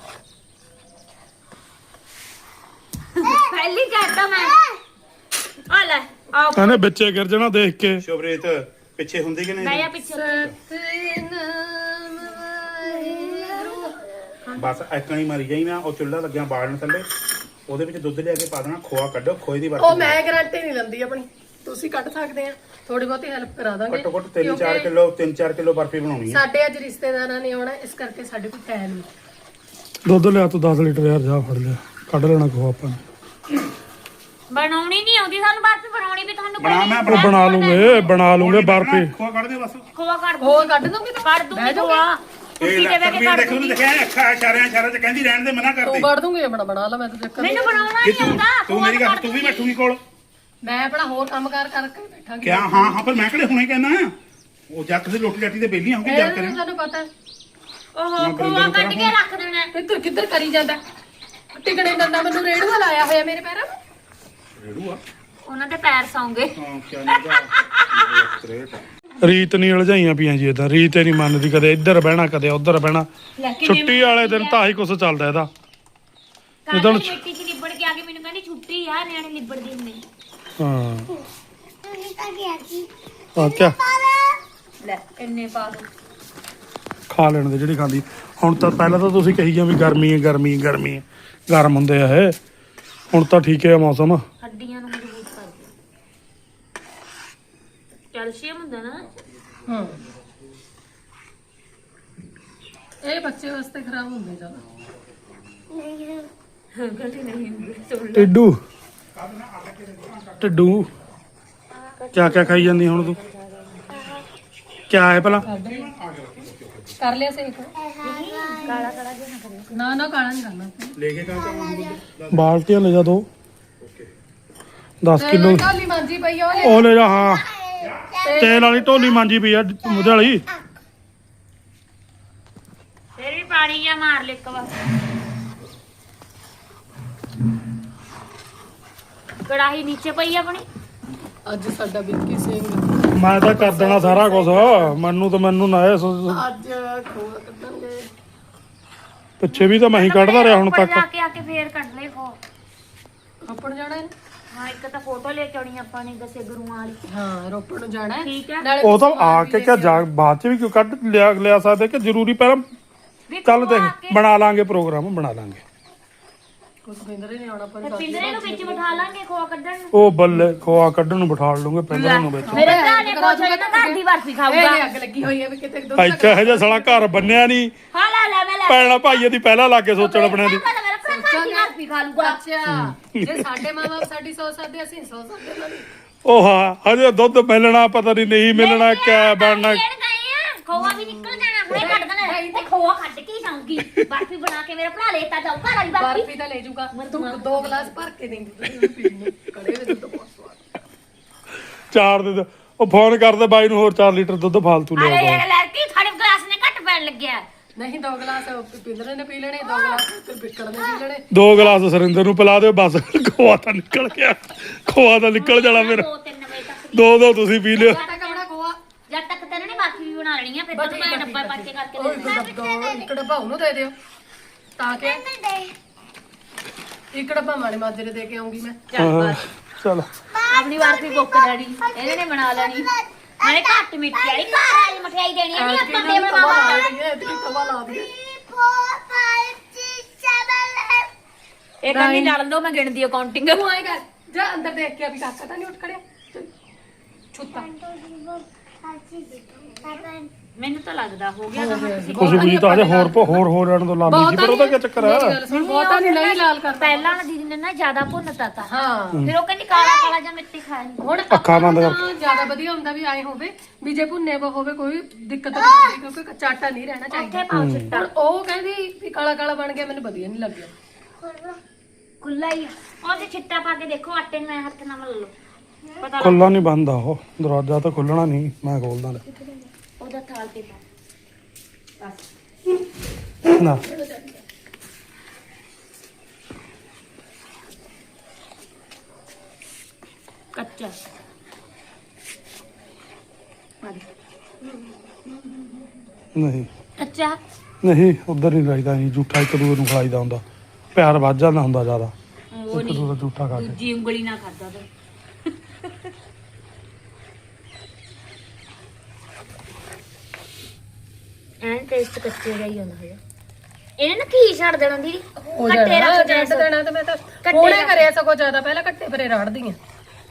ਪਹਿਲੀ ਕਹਿਤਾ ਮੈਂ ਆ ਲੈ ਆ
ਇਹਨੇ ਵਿੱਚੇ ਗਿਰ ਜਾਣਾ ਦੇਖ ਕੇ।
ਸ਼ੋਭਰੇਤ ਪਿੱਛੇ ਹੁੰਦੀ ਕਿ
ਮੈਂ
ਨਹੀਂ?
ਆ ਪਿੱਛੇ
ਸਤਿਨਾਮ ਵਾਹਿਗੁਰੂ।
ਬਸ ਐਕਾਂ ਹੀ ਮਾਰੀ ਜਾਈ ਨਾ। ਉਹ ਚੁੱਲ੍ਹਾ ਲੱਗਿਆ ਬਾਲਣ ਥੱਲੇ, ਉਹਦੇ ਵਿੱਚ ਦੁੱਧ ਲਿਆ ਕੇ ਪਾ ਦੇਣਾ। ਖੋਆ ਕੱਢੋ, ਖੋਏ ਦੀ
ਉਹ
ਵਰਤੋਂ
ਮੈਂ ਗਾਰੰਟੀ ਨਹੀਂ ਲੈਂਦੀ ਆਪਣੀ, ਤੁਸੀਂ ਕੱਢ ਸਕਦੇ ਆ, ਥੋੜੀ ਬਹੁਤੀ ਹੈਲਪ ਕਰਾ ਦਾਂਗੇ।
ਘੱਟੋ ਘੱਟ ਤਿੰਨ ਚਾਰ
ਕਿਉਂਕਿ
ਕਿਲੋ ਤਿੰਨ ਚਾਰ ਕਿਲੋ ਬਰਫੀ ਬਣਾਉਣੀ ਹੈ।
ਸਾਡੇ ਅੱਜ ਰਿਸ਼ਤੇਦਾਰਾਂ ਨੇ ਆਉਣਾ, ਇਸ ਕਰਕੇ ਸਾਡੇ ਕੋਲ ਟਾਈਮ ਨਹੀਂ।
ਦੁੱਧ ਲਿਆ ਤੂੰ ਦਸ ਲੀਟਰ ਯਾਰ, ਜਾ ਫੜ ਲਿਆ, ਕੱਢ ਲੈਣਾ ਖੋ ਆਪਾਂ ਨੇ।
ਬਣਾਉਣੀ ਨਹੀਂ ਆਉਂਦੀ ਸਾਨੂੰ, ਬਰਫੀ ਬਣਾਉਣੀ ਵੀ ਤੁਹਾਨੂੰ
ਬਣਾ ਮੈਂ
ਉਹ ਬਣਾ ਲੂਗੇ ਬਣਾ ਲੂਗੇ ਬਰਫੀ।
ਖੋਆ ਕੱਢ ਦੇ ਬਸ।
ਖੋਆ ਕੱਢ ਦੂੰ
ਹੋਰ ਕੱਢ ਦੋਗੇ ਤਾਂ
ਕੱਢ ਦੂੰਗੀ ਖੋਆ ਕੁੱਤੀ
ਇਹ
ਦੇ ਵੇ ਕੇ
ਤਕਵੀਰ
ਕੱਢ
ਦੇਖੋ ਨੂੰ
ਦੂੰਗੀ।
ਦੇਖਿਆ ਅੱਖਾਂ ਇਸ਼ਾਰਿਆਂ ਇਸ਼ਾਰਿਆਂ ਚ ਕਹਿੰਦੀ ਰਹਿਣ ਦੇ, ਮਨਾ
ਤੂੰ
ਕਰਦੀ।
ਕੱਢ ਦੂੰਗੀ ਆਪਣਾ ਬਣਾ ਲਾ, ਮੈਂ ਤਾਂ ਚੱਕਰ
ਮੈਨੂੰ
ਨਹੀਂ।
ਬਣਾਉਣਾ
ਜੇ
ਨਹੀਂ
ਤੂੰ
ਆਉਂਦਾ
ਤੂੰ ਮੇਰੀ ਗੱਲ ਤੂੰ ਵੀ ਬੈਠੂਗੀ ਕੋਲ।
ਮੈਂ ਆਪਣਾ ਹੋਰ ਕੰਮ ਕਾਰ ਕਰਕੇ ਬੈਠਾਂਗੀ।
ਕਿਆ ਹਾਂ ਹਾਂ ਪਰ ਮੈਂ ਕਿਹੜੇ ਹੁਣੇ ਕਹਿਣਾ ਉਹ ਜੱਟ ਦੇ ਰੋਟੀ ਰਾਟੀ ਤੇ ਬੇਲੀਆਂ ਹੋ ਕੇ ਜਾ
ਇਹ
ਕਰੇ।
ਤੁਹਾਨੂੰ ਪਤਾ ਹੈ।
ਉਹ ਖੋਆ ਕੱਢ ਕੇ ਰੱਖ ਦੇਣਾ।
ਇੱਧਰ ਕਿੱਧਰ ਕਰੀ ਜਾਂਦਾ, ਟਿਕਣੇ ਦੰਦਾ ਮੈਨੂੰ ਰੇੜੂਆ ਲਾਇਆ ਹੋਇਆ ਮੇਰੇ ਪੈਰਾਂ ਨੂੰ।
ਰੇੜੂ ਆ
ਉਹਨਾਂ ਦੇ ਪੈਰ ਸੌਂਗੇ।
ਹਾਂ ਕਿਆ ਨਹੀਂ ਸਟ੍ਰੇਟ
ਰੀਤ ਨਹੀਂ ਉਲਝਾਈਆਂ ਪਈਆਂ ਜੀ ਇਦਾਂ। ਰੀਤ ਹੀ ਨਹੀਂ ਮੰਨਦੀ, ਕਦੇ ਇੱਧਰ ਬਹਿਣਾ ਕਦੇ ਉੱਧਰ ਬਹਿਣਾ। ਛੁੱਟੀ ਵਾਲੇ ਦਿਨ ਤਾਂ ਆਹੀ ਕੁਛ ਚੱਲਦਾ ਇਹਦਾ।
ਜਦੋਂ ਮਿੱਟੀ 'ਚ ਲਿਬੜ ਕੇ ਆ ਕੇ ਮੈਨੂੰ ਕਹਿੰਦੀ ਛੁੱਟੀ ਆ, ਨਿਆਣੇ ਲਿਬੜਦੇ ਹੁੰਦੇ।
ਹਾਂ
ਤੁਸੀਂ ਤਾਂ ਗਿਆ ਸੀ
ਆ ਕਿਆ
ਲੈ ਇੰਨੇ ਪਾ ਦੋ।
ਖਾ ਲੈਣ ਦੇ ਜਿਹੜੀ ਖਾਂਦੀ। ਹੁਣ ਤਾਂ ਪਹਿਲਾਂ ਤਾਂ ਤੁਸੀਂ ਕਹੀ ਜਾਂ ਵੀ ਗਰਮੀ ਹੈ ਗਰਮੀ ਹੈ ਗਰਮੀ ਹੈ, ਗਰਮ ਹੁੰਦੇ ਆ ਇਹ। ਹੁਣ ਤਾਂ ਠੀਕ ਹੈ ਮੌਸਮ।
ਹੱਡੀਆਂ ਨੂੰ ਮਜ਼ਬੂਤ ਕਰਦੇ, ਕੈਲਸ਼ੀਅਮ ਹੁੰਦਾ ਨਾ।
ਹਾਂ ਇਹ ਬੱਚੇ ਵਾਸਤੇ ਖਰਾਬ ਹੁੰਦੇ ਜ਼ਿਆਦਾ।
ਗਲਤੀ ਨਹੀਂ ਹੁੰਦੀ, ਸੁਣ ਲਓ।
ਟਿੱਡੂ ਟਿੱਡੂ ਕਿਆ ਕਿਆ ਖਾਈ ਜਾਂਦੀ ਹੁਣ ਤੂੰ? ਕਿਆ ਹੈ ਭਲਾ
ਕਰ ਲਿਆ ਸੇਕ
ਕਾਲਾ ਕਾਲਾ ਜਿਹਾ ਨਾ ਕਰਿਓ।
ਨਾ ਨਾ ਕਾਲਾ ਨਹੀਂ ਕਰਨਾ
ਲੈ ਕੇ ਕਾ
ਬਾਲਟੀਆਂ ਲੈ ਜਾ ਦੋ ਦਸ ਕਿਲੋ
ਢੋਲੀ ਮਾਂਜੀ ਪਈ ਆ ਉਹ ਲੈ
ਉਹ ਲੈ ਜਾ ਹਾਂ ਤੇਲ ਵਾਲੀ ਢੋਲੀ ਮਾਂਜੀ ਪਈ ਆ ਉਹਦੇ ਵਾਲੀ
ਫਿਰ ਵੀ ਪਾਣੀ ਜਾਂ ਮਾਰ ਲੈ ਇੱਕ ਵਾਰ। ਕੜਾਹੀ ਨੀਚੇ ਪਈ ਆਪਣੀ।
ਅੱਜ ਸਾਡਾ ਵਿੱਕੀ ਸਿੰਘ
ਮੈਂ ਤਾਂ ਕਰ ਦੇਣਾ ਸਾਰਾ ਕੁਝ ਮੈਨੂੰ ਤਾਂ ਮੈਨੂੰ ਨਾ ਇਹ ਸੋ-
ਅੱਜ ਖੋਆ ਕੱਢਣਗੇ
ਪਿੱਛੇ ਵੀ ਤਾਂ ਮੈਂ ਹੀ ਕੱਢਦਾ ਰਿਹਾ ਹੁਣ
ਉੱਪਰ
ਤੱਕ
ਜਾ ਕੇ ਆ ਕੇ ਫੇਰ ਕੱਢ ਲੈ ਖੋ।
ਰੋਪੜ ਜਾਣਾ ਹੈ
ਹਾਂ ਇੱਕ ਤਾਂ ਫੋਟੋ ਲੈ ਕੇ ਆਉਣੀ ਆਪਾਂ ਨੇ ਦਸੇ ਗੁਰੂਆਂ ਵਾਲੀ।
ਹਾਂ ਰੋਪੜ ਨੂੰ ਜਾਣਾ ਹੈ
ਠੀਕ ਹੈ।
ਨਾਲੇ
ਉਹ ਤਾਂ
ਤੁਸੀਂ
ਆ
ਵੀ
ਕੇ
ਲੈ
ਕਿਆ
ਕੇ
ਜਾ ਬਾਅਦ ਚ ਵੀ ਕਿਉਂ ਕੱਢ ਲਿਆ ਲਿਆ ਸਕਦੇ ਕਿ ਜ਼ਰੂਰੀ ਪਹਿਲਾਂ
ਵੀ
ਚੱਲ
ਖੋਆ ਆ
ਦੇਖ
ਕੇ-
ਬਣਾ ਲਾਂਗੇ ਪ੍ਰੋਗਰਾਮ ਬਣਾ ਲਾਂਗੇ
ਕੁਝ ਪਿੰਦਰੇ ਨਹੀਂ ਆਉਣਾ ਪਰ
ਤੇ ਪਿੰਦਰੇ ਨੂੰ ਵਿੱਚ ਬਿਠਾ ਲਾਂਗੇ ਖੋਆ ਕੱਢਣ ਨੂੰ।
ਉਹ ਬੱਲੇ ਖੋਆ ਕੱਢਣ ਨੂੰ ਬਿਠਾ ਲੂੰਗੇ ਪਿੰਡਾਂ ਨੂੰ ਵਿੱਚ
ਮੇਰੇ ਭਰਾ ਨੇ ਕੁਛ ਨਾ ਘਰ ਦੀ ਬਰਫੀ ਖਾਊਗਾ।
ਇਹ ਅੱਗ ਲੱਗੀ ਹੋਈ ਹੈ ਵੀ ਕਿਤੇ ਦੁੱਧ
ਭਾਈ ਕਹੇ ਜਿਹਾ ਸਾਲਾ ਘਰ ਬੰਨਿਆ ਨਹੀਂ
ਹਾਂ ਲੈ ਲੈ ਮੈਂ ਲੈ
ਪੈਣਾ ਭਾਈਏ ਦੀ ਪਹਿਲਾਂ ਲਾ ਕੇ ਸੋਚਣ ਆਪਣੇ ਦੀ
ਮੇਰਾ ਭਰਾ ਘਰ ਦੀ ਬਰਫੀ ਖਾ ਲੂਗਾ।
ਅੱਛਾ ਜੇ ਸਾਡੇ ਮਾਂ-ਬਾਪ ਸਾਡੀ ਸੋਚ ਸਕਦੇ ਅਸੀਂ ਸੋਚ ਸਕਦੇ ਉਹਨਾਂ ਦੀ
ਉਹ ਹਾਂ ਹਜੇ ਦੁੱਧ ਮਿਲਣਾ ਪਤਾ ਨਹੀਂ ਨਹੀਂ ਮਿਲਣਾ ਕਿਆ ਬਣਨਾ
ਖੇਡ ਗਏ ਆ ਖੋਆ ਵੀ ਨਿਕਲ ਜਾਣਾ ਹੁਣੇ ਕੱਢ ਦੇਣਾ ਤੇ ਖੋਆ ਕੱਢ ਕੇ ਹੀ ਜਾਊਂਗੀ। ਬਰਫੀ ਬਣਾ ਕੇ ਮੇਰਾ ਭਰਾ ਲੈਤਾ ਜਾਊ ਘਰ ਵਾਲੀ ਬਰਫੀ।
ਬਰਫੀ ਤਾਂ ਲੈ ਜਾਊਗਾ ਤੂੰ ਦੋ ਗਲਾਸ ਭਰ ਕੇ ਦੇਂਦੀ ਤੁਸੀਂ ਪੀਣ ਨੂੰ ਕੜੇ ਵਿੱਚ ਦੁੱਧ ਬਹੁਤ ਸਵਾਦ
ਚਾਰ ਦੇ ਦਿਓ। ਉਹ ਫੋਨ ਕਰਦੇ ਬਾਈ ਨੂੰ ਹੋਰ ਚਾਰ ਲੀਟਰ ਦੁੱਧ ਫਾਲਤੂ ਲਿਆ
ਅਰੇ
ਦੋ
ਇਹ ਲੜਕੀ ਸਾਡੇ ਗਲਾਸ ਨੇ ਘੱਟ ਪੈਣ ਲੱਗਿਆ।
ਨਹੀਂ ਦੋ ਗਲਾਸ ਪਿੰਦਰੇ ਨੇ ਪੀ ਲੈਣੇ ਦੋ ਗਲਾਸ ਤੇ ਬਿੱਕੜ ਨੇ ਪੀ ਲੈਣੇ
ਦੋ ਗਲਾਸ ਸੁਰਿੰਦਰ ਨੂੰ ਪਿਲਾ ਦਿਓ ਬਸ ਖੋਆ ਤਾਂ ਨਿਕਲ ਗਿਆ ਖੋਆ ਤਾਂ ਨਿਕਲ ਜਾਣਾ ਮੇਰਾ
ਦੋ ਤਿੰਨ ਵਜੇ ਤੱਕ
ਦੋ ਦੋ ਤੁਸੀਂ ਪੀ ਲਿਓ
ਸਾਡਾ ਕਮੜਾ ਖੋਆ
ਜਦ ਤੱਕ ਤੈਨੂੰ ਨੇ ਬਰਫੀ ਵੀ ਬਣਾ ਲੈਣੀ ਆ ਫਿਰ ਤੈਨੂੰ ਮੈਂ ਡੱਬਾ ਪਾਚੇ ਕਰਕੇ
ਉਹ
ਦੇ
ਇੱਕ ਡੱਬਾ ਇੱਕ ਡੱਬਾ ਉਹਨੂੰ ਦੇ ਦਿਓ ਤਾਂ ਕਿ ਇੱਕ ਡੱਬਾ ਮਾਣੇ ਮਾਜਰੇ ਦੇ ਕੇ ਆਉਂਗੀ ਮੈਂ
ਹਾਂ, ਚਲੋ
ਆਪਣੀ ਬਰਫੀ ਬੁੱਕ ਡੈਡੀ ਇਹਨੇ ਨੇ ਬਣਾ ਲੈਣੀ ਨਾਲੇ ਘੱਟ ਮਿੱਠੀ ਵਾਲੀ ਘਰ ਵਾਲੀ ਮਠਿਆਈ ਦੇਣੀ ਆ ਨਹੀਂ ਆਪਾਂ ਦੇ ਬਣਾਵਾਂਗੇ।
ਤਵਾ ਲਾ ਦਈਏ
ਇਹ ਕਹਿੰਦੀ ਲੜ ਲਓ ਮੈਂ ਗਿਣਦੀ ਅਕਾਊਂਟਿੰਗ।
ਤੂੰ ਆਏ ਕਰ ਜਾ ਅੰਦਰ ਦੇਖ ਕੇ ਅਭੀ ਕਾਕਾ ਤਾਂ ਨਹੀਂ ਉੱਠ ਖੜਿਆ ਛੁੱਤਾ
ਮੈਨੂੰ ਤਾਂ ਲੱਗਦਾ ਹੋ ਗਿਆ ਕੰਮ ਤੁਸੀਂ
ਖੁਸ਼ੀ ਖੁਸ਼ੀ ਤਾਂ ਅਜੇ ਹੋਰ ਪ- ਹੋਰ ਹੋਰ ਜਾਣ ਤੋਂ ਲਾਮੀ ਜੀ ਪਰ ਉਹਦਾ ਕੀ ਚੱਕਰ
ਮੇਰੀ
ਹੈ
ਗੱਲ ਸੁਣ ਬਹੁਤਾ ਨਹੀਂ ਨਹੀਂ ਲਾਲ ਕਰਦਾ
ਪਹਿਲਾਂ ਵਾਲੀ ਦੀਦੀ ਨੇ ਨਾ ਜ਼ਿਆਦਾ ਭੁੰਨਤਾ ਤਾ
ਹਾਂ
ਫਿਰ ਉਹ ਕਹਿੰਦੀ ਕਾਲਾ ਕਾਲਾ ਜਾਂ ਮਿੱਟੀ ਖਾਇਆ ਨਹੀਂ।
ਹੁਣ
ਅੱਖਾਂ ਬੰਦ ਕਰ।
ਤਾਂ ਜ਼ਿਆਦਾ ਵਧੀਆ ਹੁੰਦਾ ਵੀ ਆਏ ਹੋਵੇ ਵੀ ਜੇ ਭੁੰਨੇ ਵਾ ਹੋਵੇ ਕੋਈ ਦਿੱਕਤ ਨਹੀਂ ਹੁੰਦੀ ਕਿਉਂਕਿ ਕੱਚਾ ਆਟਾ ਨਹੀਂ ਰਹਿਣਾ
ਉੱਥੇ
ਚਾਹੀਦਾ
ਪਾਉ ਚਿੱਟਾ
ਹੁਣ ਉਹ ਕਹਿੰਦੀ ਵੀ ਕਾਲਾ ਕਾਲਾ ਬਣ ਗਿਆ ਮੈਨੂੰ ਵਧੀਆ ਨਹੀਂ ਲੱਗਿਆ
ਖੁੱਲਾ ਹੀ ਆ। ਉਹਦੇ ਛਿੱਟਾ ਪਾ ਕੇ ਦੇਖੋ ਆਟੇ ਨੂੰ ਐ ਹੱਥ ਨਾਲ ਮਲ ਲਓ ਪਤਾ ਲੱਗ
ਖੁੱਲਾ ਨਹੀਂ ਬੰਦਾ ਉਹ ਦਰਵਾਜ਼ਾ ਤਾਂ ਖੁੱਲਣਾ ਨਹੀਂ ਮੈਂ ਖੋਲਦਾ ਲੈ
ਉਹਦਾ ਥਾਲ ਤੇ ਪਾ
ਨਾ
ਕੱਚਾ
ਨਹੀਂ
ਕੱਚਾ
ਨਹੀਂ ਉਧਰ ਨਹੀਂ ਲਾਈਦਾ ਨਹੀਂ ਝੂਠਾ ਇੱਕ ਦੂਏ ਨੂੰ ਖਲਾਈਦਾ ਹੁੰਦਾ ਪਿਆਰ ਵੱਧ ਜਾਂਦਾ ਹੁੰਦਾ ਜ਼ਿਆਦਾ
ਉਹ
ਇੱਕ
ਨਹੀਂ
ਦੂਏ ਦਾ ਝੂਠਾ ਖਾ ਕੇ
ਦੂਜੀ ਉਂਗਲੀ ਨਾਲ ਖਾਦਾ ਤੇ ਐਂ ਟੇਸਟ ਕੱਚੇ ਦਾ ਹੀ ਹੁੰਦਾ ਹੈ ਇਹਨੇ ਨਾ ਕੀ ਛੱਡ ਦੇਣਾ ਦੀਦੀ
ਹੋ
ਕੱਟੇ
ਜਾਣਾ
ਰੱਖ
ਜੱਟ
ਦੇਣਾ
ਦੇਣਾ ਤੇ ਮੈਂ ਤਾਂ
ਕੱਟੇ
ਹੁਣੇ
ਰੱਖ।
ਕਰਿਆ ਸਗੋਂ ਜ਼ਿਆਦਾ ਪਹਿਲਾਂ ਕੱਟੇ ਪਰੇ ਰਾੜਦੀ ਆ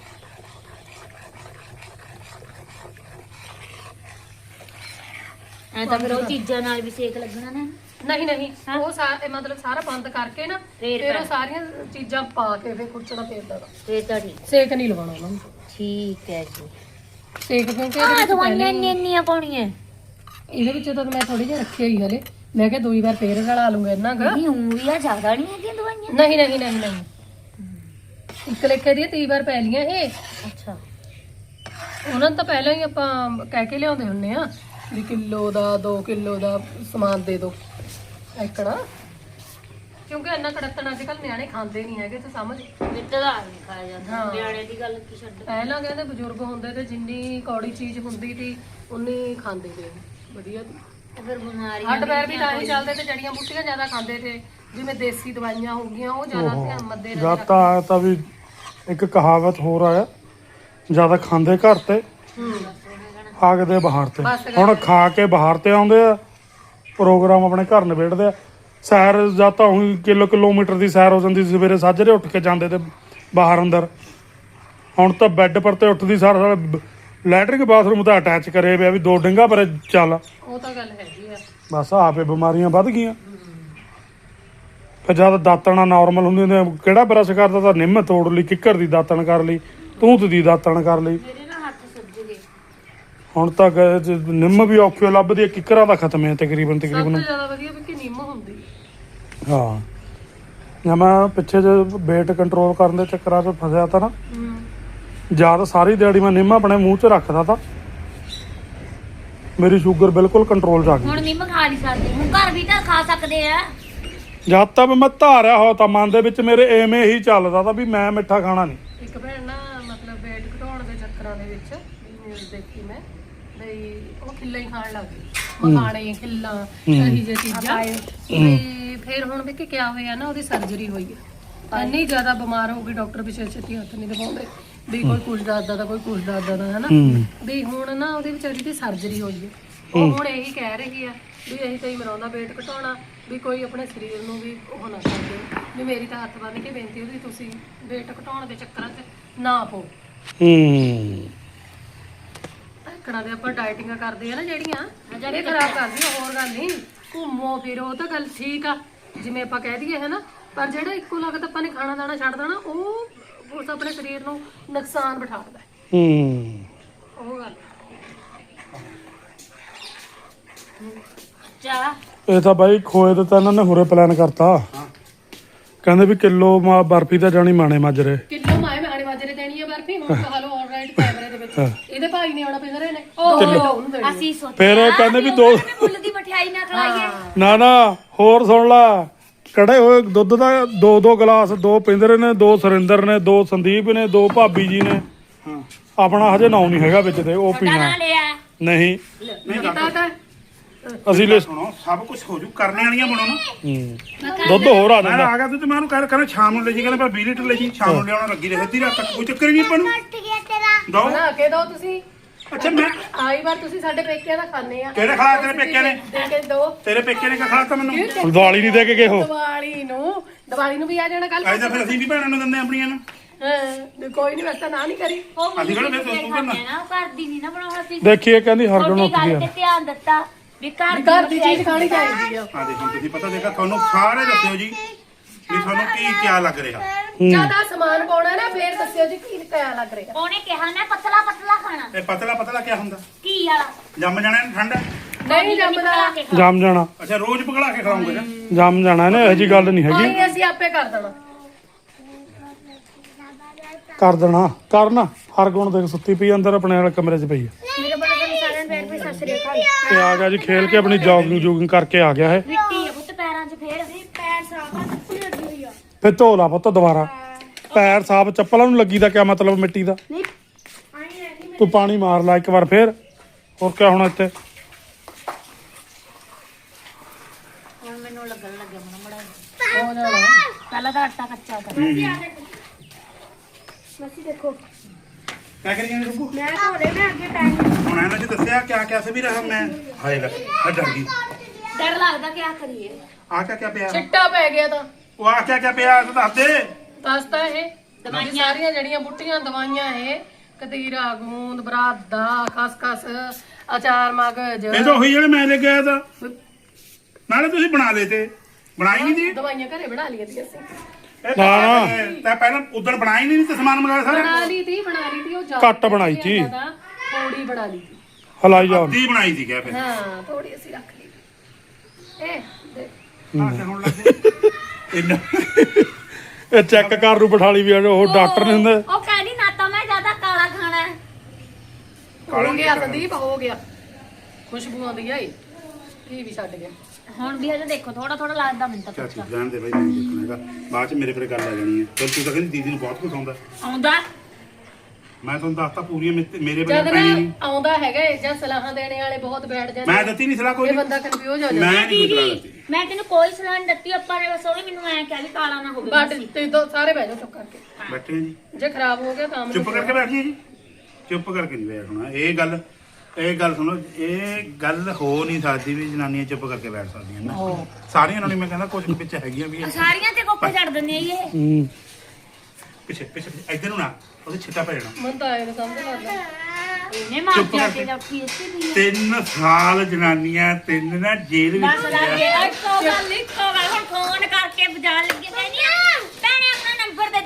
ਐ ਤਾਂ ਫਿਰ ਉਹ ਚੀਜ਼ਾਂ ਨਾਲ ਵੀ ਸੇਕ ਲੱਗਣਾ ਨਾ
ਨਹੀਂ ਨਹੀਂ ਉਹ ਸਾ- ਇਹ ਮਤਲਬ ਸਾਰਾ ਬੰਦ ਕਰਕੇ ਨਾ
ਫੇਰ
ਫਿਰ ਉਹ
ਪੈਣਾ।
ਸਾਰੀਆਂ ਚੀਜ਼ਾਂ ਪਾ ਕੇ ਫਿਰ ਕੁੱਟਣਾ ਫੇਰਦਾ
ਫੇਰ ਤਾਂ ਠੀਕ
ਸੇਕ ਨਹੀਂ ਲਵਾਉਣਾ ਉਹਨਾਂ ਨੂੰ
ਠੀਕ ਹੈ ਜੀ
ਸੇਕ ਕਿਉਂਕਿ
ਆ
ਇਹਦੇ ਵਿੱਚ
ਦਵਾਈਆਂ
ਪਹਿਲਾਂ
ਇੰਨੀਆਂ ਇੰਨੀਆਂ ਪਾਉਣੀਆਂ
ਇਹਦੇ ਵਿੱਚ ਤਾਂ ਮੈਂ ਥੋੜੀ ਜਿਹੀ ਰੱਖੀ ਹੋਈ ਹਲੇ ਮੈਂ ਕਿਹਾ ਦੋ ਵਾਰ ਫੇਰ ਰਲਾ ਲੂੰਗਾ ਇਹਨਾਂ ਕ
ਨਹੀਂ ਉਹ ਵੀ ਆ ਜ਼ਿਆਦਾ ਨਹੀਂ ਹੈਗੀਆਂ ਦਵਾਈਆਂ
ਨਹੀਂ ਨਹੀਂ ਨਹੀਂ ਨਹੀਂ ਇੱਕ ਲੇਖੇ ਦੀ ਤੀਹ ਵਾਰ ਪੈ ਲੀਆਂ ਇਹ
ਅੱਛਾ
ਉਹਨਾਂ ਨੂੰ ਤਾਂ ਪਹਿਲਾਂ ਹੀ ਆਪਾਂ ਕਹਿ ਕੇ ਲਿਆਉਂਦੇ ਹੁੰਨੇ ਆ ਵੀ ਕਿਲੋ ਦਾ ਦੋ ਕਿਲੋ ਦਾ ਸਮਾਨ ਦੇ ਦਿਓ ਐਕੜਾ ਕਿਉਂਕਿ ਇੰਨਾ ਕੜਤਣ ਅੱਜ ਕੱਲ ਨਿਆਣੇ ਖਾਂਦੇ ਨਹੀਂ ਹੈਗੇ ਤੇ ਸਮਝ
ਮਿੱਟਦਾ ਨਹੀਂ ਖਾਇਆ ਜਾਂਦਾ
ਹਾਂ।
ਨਿਆਣੇ ਦੀ ਗੱਲ ਕੀ ਛੱਡ
ਪਹਿਲਾਂ ਕਹਿੰਦੇ ਬਜ਼ੁਰਗ ਹੁੰਦੇ ਤੇ ਜਿੰਨੀ ਕੌੜੀ ਚੀਜ਼ ਹੁੰਦੀ ਸੀ ਉਨੀ ਖਾਂਦੇ ਤੇ ਵਧੀਆ ਸੀ।
ਤੇ ਫਿਰ ਬਿਮਾਰੀ
ਹੱਡ ਪੈਰ ਵੀ ਤਾਂ ਹੀ ਚੱਲਦੇ ਤੇ ਜੜੀਆਂ ਬੂਟੀਆਂ ਜ਼ਿਆਦਾ ਖਾਂਦੇ ਤੇ ਜਿਵੇਂ ਦੇਸੀ ਦਵਾਈਆਂ ਹੋ ਗਈਆਂ ਉਹ ਜ਼ਿਆਦਾ ਧਿਆਨ ਮੱਦੇ ਨਾਲ
ਜਦ ਤਾਂ ਆਇਆ ਤਾਂ ਵੀ ਇੱਕ ਕਹਾਵਤ ਹੋਰ ਆਇਆ ਜਿਆਦਾ ਖਾਂਦੇ ਘਰ ਤੇ
ਹੂੰ
ਹਾਕਦੇ ਬਾਹਰ ਤੇ
ਬਸ ਗੱਲ
ਹੁਣ ਖਾ ਕੇ ਬਾਹਰ ਤੇ ਆਉਂਦੇ ਆ ਪ੍ਰੋਗਰਾਮ ਆਪਣੇ ਘਰ ਨਿਬੇੜਦੇ ਆ ਸੈਰ ਜਾਂ ਤਾਂ ਉਹੀ ਕਿਲੋ ਕਿਲੋਮੀਟਰ ਦੀ ਸੈਰ ਹੋ ਜਾਂਦੀ ਸੀ ਸਵੇਰੇ ਸਾਜਰੇ ਉੱਠ ਕੇ ਜਾਂਦੇ ਤੇ ਬਾਹਰ ਅੰਦਰ ਹੁਣ ਤਾਂ ਬੈੱਡ ਪਰ ਤੇ ਉੱਠਦੀ ਸਾਰ ਸਾਰ ਲੈਟਰਿੰਗ ਬਾਥਰੂਮ ਤਾਂ ਅਟੈਚ ਕਰੇ ਪਿਆ ਵੀ ਦੋ ਡੰਗਾ ਪਰ ਚੱਲ
ਉਹ ਤਾਂ ਗੱਲ ਹੈਗੀ ਆ
ਬਸ ਆਪੇ ਬਿਮਾਰੀਆਂ ਵੱਧ ਗਈਆਂ ਫਿਰ ਜਦ ਦਾਤਣਾ ਨਾਰਮਲ ਹੁੰਦੀ ਨੇ ਕਿਹੜਾ ਬਰਸ਼ ਕਰਦਾ ਤਾਂ ਨਿੰਮ ਤੋੜ ਲਈ ਕਿੱਕਰ ਦੀ ਦਾਤਣ ਕਰ ਲਈ ਤੂਤ ਦੀ ਦਾਤਣ ਕਰ ਲਈ
ਮੇਰੇ ਨਾ ਹੱਥ ਸੁੱਜ ਗਏ
ਹੁਣ ਤੱਕ ਨਿੰਮ ਵੀ ਔਖੀ ਲੱਭਦੀ ਹੈ, ਕਿੱਕਰਾਂ ਦਾ ਖਤਮ ਹੈ ਤਕਰੀਬਨ
ਸਭ ਤੋਂ
ਤਕਰੀਬਨ।
ਜ਼ਿਆਦਾ ਵਧੀਆ ਵੀ ਕਿ ਨਿੰਮ ਹੁੰਦੀ
ਹਾਂ ਜਾਂ ਮੈਂ ਪਿੱਛੇ ਜੇ weight ਕੰਟਰੋਲ ਕਰਨ ਦੇ ਚੱਕਰਾਂ 'ਚ ਫਸਿਆ ਤਾਂ ਨਾ,
ਹੂੰ
ਜਦ ਸਾਰੀ ਦਿਹਾੜੀ ਮੈਂ ਨਿੰਮ ਆਪਣੇ ਮੂੰਹ 'ਚ ਰੱਖਦਾ ਤਾਂ ਮੇਰੀ ਸ਼ੂਗਰ ਬਿਲਕੁਲ ਕੰਟਰੋਲ 'ਚ ਆ ਗਈ।
ਹੁਣ ਨਿੰਮ ਖਾ ਨਹੀਂ ਸਕਦੇ, ਹੁਣ ਘਰ ਵੀ ਤਾਂ ਖਾ ਸਕਦੇ ਆ।
ਜਦ ਤੱਕ ਮੈਂ ਧਾਰਿਆ ਹੋ ਤਾਂ ਮਨ ਦੇ ਵਿੱਚ ਮੇਰੇ ਐਵੇਂ ਹੀ ਚੱਲਦਾ ਤਾਂ ਵੀ ਮੈਂ ਮਿੱਠਾ ਖਾਣਾ ਨਹੀਂ।
ਇੱਕ ਭੈਣ ਨਾ ਮਤਲਬ weight ਘਟਾਉਣ ਦੇ ਚੱਕਰਾਂ ਦੇ ਵਿੱਚ ਨਿਊਜ਼ ਦੇਖੀ ਮੈਂ ਬਈ ਉਹ ਖਿੱਲਾ ਹੀ ਖਾਣ ਲੱਗ ਗਈ, ਮਖਾਣੇ ਖਿੱਲਾ ਇਹੀ ਜਿਹੀ ਚੀਜ਼ਾਂ। ਤੇ ਫਿਰ ਹੁਣ ਵੀ ਕਿ ਕਿਆ ਹੋਇਆ ਨਾ, ਉਹਦੀ ਸਰਜਰੀ ਹੋਈ ਹੈ। ਇੰਨੀ ਜ਼ਿਆਦਾ ਬਿਮਾਰ ਹੋ ਗਈ, ਡਾਕਟਰ ਪਿੱਛੇ ਛੇਤੀ ਹੱਥ ਨਹੀਂ ਲਗਾਉਂਦੇ ਵੀ ਕੋਈ ਕੁਝ ਦੱਸਦਾ ਤਾਂ ਕੋਈ ਕੁਝ ਦੱਸਦਾ ਤਾਂ ਹਨਾ। ਵੀ ਹੁਣ ਨਾ ਉਹਦੀ ਵਿਚਾਰੀ ਦੀ ਸਰਜਰੀ ਹੋਈ ਹੈ। ਉਹ ਹੁਣ ਇਹੀ ਕਹਿ ਰਹੀ ਆ ਵੀ ਅਸੀਂ ਤਾਂ ਹੀ ਮਰਾਉਂਦਾ weight ਘਟਾਉਣਾ, ਵੀ ਕੋਈ ਆਪਣੇ ਸਰੀਰ ਨੂੰ ਵੀ ਉਹ ਨਾ ਕਰਦੇ। ਵੀ ਮੇਰੀ ਤਾਂ ਹੱਥ ਬੰਨ ਕੇ ਬੇਨਤੀ ਉਹਦੀ, ਤੁਸੀਂ weight ਘਟਾਉਣ ਦੇ ਚੱਕਰਾਂ 'ਚ ਨਾ ਪਓ।
ਹੂੰ
ਧੱਕੜਾਂ ਦੇ ਆਪਾਂ ਡਾਈਟਿੰਗਾਂ ਕਰਦੇ ਆ ਨਾ ਜਿਹੜੀਆਂ, ਇਹ ਖਰਾਬ ਕਰਦੀਆਂ, ਹੋਰ ਗੱਲ ਨਹੀਂ। ਘੁੰਮੋ ਫਿਰੋ ਉਹ ਤਾਂ ਗੱਲ ਠੀਕ ਆ, ਜਿਵੇਂ ਆਪਾਂ ਕਹਿ ਦਈਏ ਹਨਾ, ਪਰ ਜਿਹੜਾ ਇੱਕੋ ਲਗਤ ਆਪਾਂ ਨੇ ਖਾਣਾ ਦਾਣਾ ਛੱਡ ਦੇਣਾ, ਉਹ ਉਸ ਆਪਣੇ ਸਰੀਰ ਨੂੰ ਨੁਕਸਾਨ ਬਿਠਾਉਂਦਾ।
ਹੂੰ
ਉਹ ਗੱਲ
ਚਾ
ਇਹ ਤਾਂ ਬਾਈ ਖੋਏ ਦਾ ਤਾਂ ਇਹਨਾਂ ਨੇ ਹੁਰੇ ਪਲਾਨ ਕਰਤਾ। ਕਹਿੰਦੇ ਵੀ ਕਿਲੋ ਮਾ ਬਰਫੀ ਤਾਂ ਜਾਣੀ ਮਾਣੇ ਮਾਜਰੇ।
ਕਿਲੋ ਮਾਏ ਮਾਣੇ ਮਾਜਰੇ ਦੇਣੀ ਆ ਬਰਫੀ। ਹੁਣ ਕਹਾ ਲਓ ਆਲਰਾਈਟ ਕੈਮਰੇ ਦੇ ਵਿੱਚ ਇਹਦੇ ਭਾਈ ਨੇ ਆਉਣਾ ਪਿੰਦਰੇ ਨੇ
ਉਹ ਅਸੀਂ ਸੋਚਿਆ
ਫਿਰ ਇਹ ਕਹਿੰਦੇ ਵੀ ਦੋ
ਮੁੱਲ ਦੀ ਮਠਿਆਈ ਨਾ ਖਲਾਈਏ।
ਨਾ ਨਾ ਹੋਰ ਸੁਣ ਲਾ, ਕੜੇ ਹੋਏ ਦੁੱਧ ਦਾ ਦੋ ਦੋ ਗਲਾਸ, ਦੋ ਪਿੰਦਰੇ ਨੇ, ਦੋ ਸੁਰਿੰਦਰ ਨੇ, ਦੋ ਸੰਦੀਪ ਨੇ, ਦੋ ਭਾਬੀ ਜੀ ਨੇ। ਆਪਣਾ ਹਜੇ ਨਾਮ ਨਹੀਂ ਹੈਗਾ ਵਿੱਚ ਤੇ ਉਹ ਪੀਣਾ
ਨਾ ਲਿਆ
ਨਹੀਂ।
ਕੀਤਾ ਤਾਂ
ਅਸੀਂ ਲੈ
ਸੁਣੋ ਸਭ ਕੁਝ ਹੋ ਜੂ, ਕਰਨੇ ਵਾਲੀਆਂ ਬਣੋ ਨਾ।
ਹੂੰ। ਦੁੱਧ ਹੋਰ ਆ
ਮੈਂ
ਜਾਂਦਾ।
ਆ ਗਿਆ ਤੂੰ ਤੇ ਮੈਂ ਉਹਨੂੰ ਕਹਿ ਕਹਿੰਦਾ ਸ਼ਾਮ ਨੂੰ ਲੈ ਜੀ, ਕਹਿੰਦਾ ਪਰ ਵੀਹ ਲੀਟਰ ਲੈ ਜੀ, ਸ਼ਾਮ ਨੂੰ ਲਿਆਉਣਾ ਲੱਗੀ ਰਹੇ ਅੱਧੀ ਰਾਤ ਤੱਕ, ਕੋਈ ਚੱਕਰ ਹੀ ਨਹੀਂ ਆਪਾਂ ਨੂੰ।
ਉੱਠ ਗਿਆ ਤੇਰਾ
ਦੋ
ਬਣਾ ਕੇ ਦੋ ਤੁਸੀਂ।
ਅੱਛਾ ਮੈਂ
ਆਈ ਵਾਰ ਤੁਸੀਂ ਸਾਡੇ ਪੇਕਿਆਂ ਦਾ ਖਾਣੇ ਆ।
ਕਿਹੜੇ ਖਿਲਾਇਆ ਤੇਰੇ ਪੇਕਿਆਂ ਨੇ?
ਦੇ ਕੇ ਦੋ।
ਤੇਰੇ ਪੇਕੇ ਨੇ ਕਿਆ ਖਿਲਾਤਾ ਮੈਨੂੰ?
ਦੀਵਾਲੀ ਨਹੀਂ ਦੇ ਕੇ ਗਏ ਹੋ।
ਦੀਵਾਲੀ ਨੂੰ ਦੀਵਾਲੀ ਨੂੰ ਵੀ ਆ ਜਾਣਾ ਕੱਲ।
ਅੱਜ ਤਾਂ ਫਿਰ ਅਸੀਂ ਵੀ ਭੈਣਾਂ ਨੂੰ ਦਿੰਦੇ ਆਪਣੀਆਂ ਨੂੰ।
ਹਾਂ ਕੋਈ ਨਹੀਂ, ਵਸਤਾ ਨਾ ਨਹੀਂ ਕਰੀ।
ਉਹ
ਅਸੀਂ ਕਿਹੜਾ
ਮੁੱਲ
ਫਿਰ
ਦੀ
ਤੂੰ
ਖਾਂਦੇ ਆ ਨਾ, ਘਰ ਦੀ ਨਹੀਂ ਨਾ ਬਣਾਉਣਾ ਸੀ।
ਦੇਖੀਏ ਕਹਿੰਦੀ ਹਰਗੁਣ
ਛੋਟੀ
ਉੱਠ
ਗੱਲ
ਗਿਆ।
ਤੇ ਧਿਆਨ ਦਿੱਤਾ ਵੀ ਘਰ
ਘਰ ਦੀ ਚੀਜ਼ ਖਾਣੀ ਚਾਹੀਦੀ ਆ।
ਆ ਦੇਖੋ ਤੁਸੀਂ ਪਤਾ ਦੇਖਾ ਤੁਹਾਨੂੰ ਸਾਰੇ ਦੱਸਿਓ ਜੀ ਵੀ ਤੁਹਾਨੂੰ ਕੀ ਕਿਆ ਲੱਗ ਰਿਹਾ।
ਜਿਆਦਾ ਸਮਾਨ ਪਾਉਣਾ ਨਾ, ਫੇਰ ਦੱਸਿਓ ਜੀ ਕੀ ਕਿਆ ਲੱਗ ਰਿਹਾ।
ਉਹਨੇ ਕਿਹਾ ਨਾ ਪਤਲਾ ਪਤਲਾ ਖਾਣਾ
ਇਹ ਪਤਲਾ ਪਤਲਾ ਕਿਆ ਹੁੰਦਾ?
ਕੀ ਵਾਲਾ
ਜੰਮ ਜਾਣਾ ਇਹਨੂੰ ਠੰਡਾ?
ਨਹੀਂ ਜੰਮਦਾ।
ਜੰਮ ਜਾਣਾ,
ਅੱਛਾ ਰੋਜ਼ ਪਕੜਾ ਕੇ ਖਿਲਾਉਂਗੇ ਨਾ?
ਜੰਮ ਜਾਣਾ ਇਹਨੇ, ਇਹੋ ਜੀ ਗੱਲ ਨਹੀਂ ਹੈਗੀ।
ਆਈ ਅਸੀਂ ਆਪੇ ਕਰ ਦੇਣਾ।
ਕਰ ਦੇਣਾ ਕਰਨਾ। ਹਰਗੁਣ ਦੇਖ ਸੁੱਤੀ ਪਈ ਅੰਦਰ ਆਪਣੇ ਵਾਲੇ ਕਮਰੇ 'ਚ ਪਈ ਹੈ।
ਮੇਰੇ ਬੜੇ ਬੜੇ ਸਾਰਿਆਂ ਨੂੰ ਫੇਰ ਵੀ ਸਤਿ ਸ੍ਰੀ ਅਕਾਲ।
ਤੇ ਆ ਗਿਆ ਜੀ ਖੇਲ ਕੇ, ਆਪਣੀ ਜੋਗਿੰਗ ਜੋਗਿੰਗ ਕਰਕੇ ਆ ਗਿਆ ਹੈ।
ਮਿੱਟੀ ਹੈ ਪੁੱਤ ਪੈਰਾਂ 'ਚ, ਫੇਰ ਪੈਰ ਸਾਫ ਆ, ਲੱਗੀ ਹੋਈ ਆ।
ਫਿਰ ਧੋ ਲਾ ਪੁੱਤ ਦੁਬਾਰਾ। ਪੈਰ ਸਾਫ, ਚੱਪਲਾਂ ਨੂੰ ਲੱਗੀ ਦਾ ਕਿਆ ਮਤਲਬ ਮਿੱਟੀ ਦਾ? ਤੂੰ ਪਾਣੀ ਮਾਰ ਲਾ ਇੱਕ ਵਾਰ ਫੇਰ, ਹੋਰ ਕਿਆ ਹੋਣਾ ਇੱਥੇ।
ਹੁਣ ਮੈਨੂੰ ਲੱਗਣ ਲੱਗਿਆ ਮਣਾ ਮੜਾ
ਹੋ ਜਾਣਾ।
ਪਹਿਲਾਂ ਤਾਂ ਆਟਾ ਕੱਚਾ ਕਰ।
ਮਸੀ ਦੇਖੋ
ਕਿਆ ਕਰੀ ਜਾਂਦੇ ਰੁਕੂ?
ਮੈਂ ਧੋਰੇ ਮੈਂ ਅੱਗੇ ਟਾਈਮ
ਹੁਣ ਇਹਨਾਂ ਚ ਦੱਸਿਆ ਕਿਆ ਕਿਆ ਸੀ ਵੀ ਰਹਾ ਮੈਂ ਹਾਏ ਲੈ ਆ ਡਰ ਗਈ।
ਡਰ ਲੱਗਦਾ ਕਿਆ ਕਰੀਏ।
ਆ ਕਿਆ ਕਿਆ ਪਿਆ?
ਚਿੱਟਾ ਪੈ ਗਿਆ ਤਾਂ
ਉਹ ਆ ਕਿਆ ਕਿਆ ਪਿਆ ਤੂੰ ਦੱਸ ਦੇ।
ਦੱਸਦਾ ਇਹ ਦਵਾਈਆਂ ਸਾਰੀਆਂ ਜਿਹੜੀਆਂ ਬੁੱਟੀਆਂ ਦਵਾਈਆਂ ਇਹ ਕਤੀਰਾ ਗੂੰਦ ਬਰਾਦਾ ਖਸਖਸ ਅਚਾਰ ਮਗਜ
ਇਹ ਤਾਂ ਉਹੀ ਜਿਹੜੇ ਮੈਂ ਲੈ ਕੇ ਆਇਆ ਤਾਂ। ਨਾਲੇ ਤੁਸੀਂ ਬਣਾ ਲਏ ਤੇ ਬਣਾਈ ਨਹੀਂ ਦੀ।
ਦਵਾਈਆਂ ਘਰੇ ਬਣਾ ਲਈਆਂ ਸੀ ਅਸੀਂ।
ਇਹ ਤਾਂ ਤਾਂ ਪਹਿਲਾਂ ਉਦੋਂ ਬਣਾਈ ਨਹੀਂ ਤੇ ਸਮਾਨ ਮੰਗਾਇਆ ਸਾਰਾ।
ਬਣਾ ਲਈ ਤੀ ਬਣਾ ਲਈ ਤੀ ਉਹ ਜ਼ਿਆਦਾ
ਘੱਟ ਬਣਾਈ ਤੀ।
ਜ਼ਿਆਦਾ ਥੋੜੀ ਬਣਾ ਲਈ ਤੀ।
ਹਲਾਈ ਜਾਓ।
ਅੱਧੀ ਬਣਾਈ ਸੀ ਕਿਆ ਫਿਰ?
ਹਾਂ ਥੋੜੀ ਅਸੀਂ ਰੱਖ ਲਈ। ਇਹ ਦੇਖ
ਆ ਕੇ ਹੁਣ ਲੱਗੇ ਇੰਨਾ
ਇਹ ਚੈੱਕ ਕਰ ਨੂੰ ਬਿਠਾ ਲਈ ਵੀ ਉਹ ਡਾਕਟਰ ਨੇ ਹੁੰਦੇ।
ਉਹ ਕਹਿੰਦੀ ਨਾ ਤਾਂ ਮੈਂ ਜ਼ਿਆਦਾ ਕਾਲਾ ਖਾਣਾ ਹੈ।
ਹੋ ਗਿਆ ਸੰਦੀਪ ਹੋ ਗਿਆ। ਖੁਸ਼ਬੂ ਆਉਂਦੀ ਆਈ ਕੀ ਵੀ ਛੱਡ ਗਿਆ।
ਹੁਣ ਵੀ ਹਜੇ ਦੇਖੋ ਥੋੜਾ ਥੋੜਾ ਲੱਗਦਾ ਮੈਨੂੰ ਤਾਂ
ਚਾਚੀ
ਕੱਚਾ
ਜਾਣ ਦੇ ਬਾਈ ਨਹੀਂ ਦੇਖਣਾ ਹੈਗਾ, ਬਾਅਦ ਚ ਮੇਰੇ ਪਰ ਗੱਲ ਆ ਜਾਣੀ ਹੈ। ਫਿਰ ਤੂੰ ਤਾਂ ਕਹਿੰਦੀ ਦੀਦੀ ਨੂੰ ਬਹੁਤ ਕੁਝ ਆਉਂਦਾ।
ਆਉਂਦਾ।
ਮੈਂ ਤੁਹਾਨੂੰ ਦੱਸਤਾ ਪੂਰੀਆਂ ਮੇਰੇ ਮੇਰੇ
ਜਦ
ਬਾਰੇ
ਨਾ
ਪੈਣੀ ਨਹੀਂ।
ਆਉਂਦਾ ਹੈਗਾ ਇਹ ਜਾਂ ਸਲਾਹਾਂ ਦੇਣੇ ਵਾਲੇ ਬਹੁਤ ਬੈਠ ਜਾਂਦੇ
ਮੈਂ ਦਿੱਤੀ ਨਹੀਂ ਸਲਾਹ ਕੋਈ।
ਇਹ ਬੰਦਾ ਕਨਫਿਊਜ਼ ਹੋ ਜਾਂਦਾ।
ਮੈਂ ਨਹੀਂ ਕੋਈ ਸਲਾਹ ਦਿੱਤੀ।
ਮੈਂ ਤੈਨੂੰ ਕੋਈ ਸਲਾਹ ਨਹੀਂ ਦਿੱਤੀ, ਆਪਾਂ ਨੇ ਬਸ ਉਹਨੇ ਮੈਨੂੰ ਐਂ ਕਿਹਾ ਵੀ ਕਾਲਾ ਨਾ ਹੋਵੇ
ਬਟ
ਬਸ।
ਤੇ ਦੋ ਸਾਰੇ ਬਹਿ ਜਾਓ ਚੁੱਪ ਕਰਕੇ।
ਬੈਠੇ ਆ ਜੀ,
ਜੇ ਖਰਾਬ ਹੋ ਗਿਆ ਕੰਮ
ਚੁੱਪ ਕਰਕੇ ਬੈਠੀਏ ਜੀ। ਚੁੱਪ ਕਰਕੇ ਨਹੀਂ ਬੈਠਣਾ। ਇਹ ਗੱਲ ਇਹ ਗੱਲ ਸੁਣੋ, ਇਹ ਗੱਲ ਹੋ ਨਹੀਂ ਸਕਦੀ ਵੀ ਜਨਾਨੀਆਂ ਚੁੱਪ ਕਰਕੇ ਬੈਠ ਸਕਦੀਆਂ ਨਾ। ਸਾਰੀਆਂ ਨਾਲ ਨਹੀਂ, ਮੈਂ ਕਹਿੰਦਾ ਕੁਝ ਵਿੱਚ ਹੈਗੀਆਂ ਵੀ ਇਹ।
ਸਾਰੀਆਂ ਤੇ ਕੋਪੇ ਛੱਡ ਦਿੰਦੇ ਆ ਇਹ।
ਹੂੰ
ਪਿੱਛੇ ਪਿੱਛੇ ਇੱਧਰ ਨੂੰ ਨਾ, ਉਹਦੇ ਛਿੱਟਾ ਪੈ ਜਾਣਾ।
ਮਨ ਤਾਂ ਆਏ ਨੂੰ ਸਮਝ ਲੱਗਦਾ।
ਇਹਨੇ ਮਾਰ
ਚੁੱਪ
ਕੇ
ਕਰਕੇ।
ਰੱਖੀ ਇੱਥੇ ਵੀ।
ਤਿੰਨ ਸਾਲ ਜਨਾਨੀਆਂ ਤਿੰਨ ਨਾ ਜੇਲ੍ਹ
ਦੱਸ
ਵਿੱਚ
ਲੱਗੇ
ਰਿਹਾ।
ਇੱਕੋ ਗੱਲ ਇੱਕੋ ਗੱਲ ਹੁਣ ਫੋਨ ਕਰਕੇ ਬਜਾ ਲੱਗੇ ਕਹਿੰਦੀ ਆ ਭੈਣੇ ਆਪਣਾ ਨੰਬਰ ਦੇ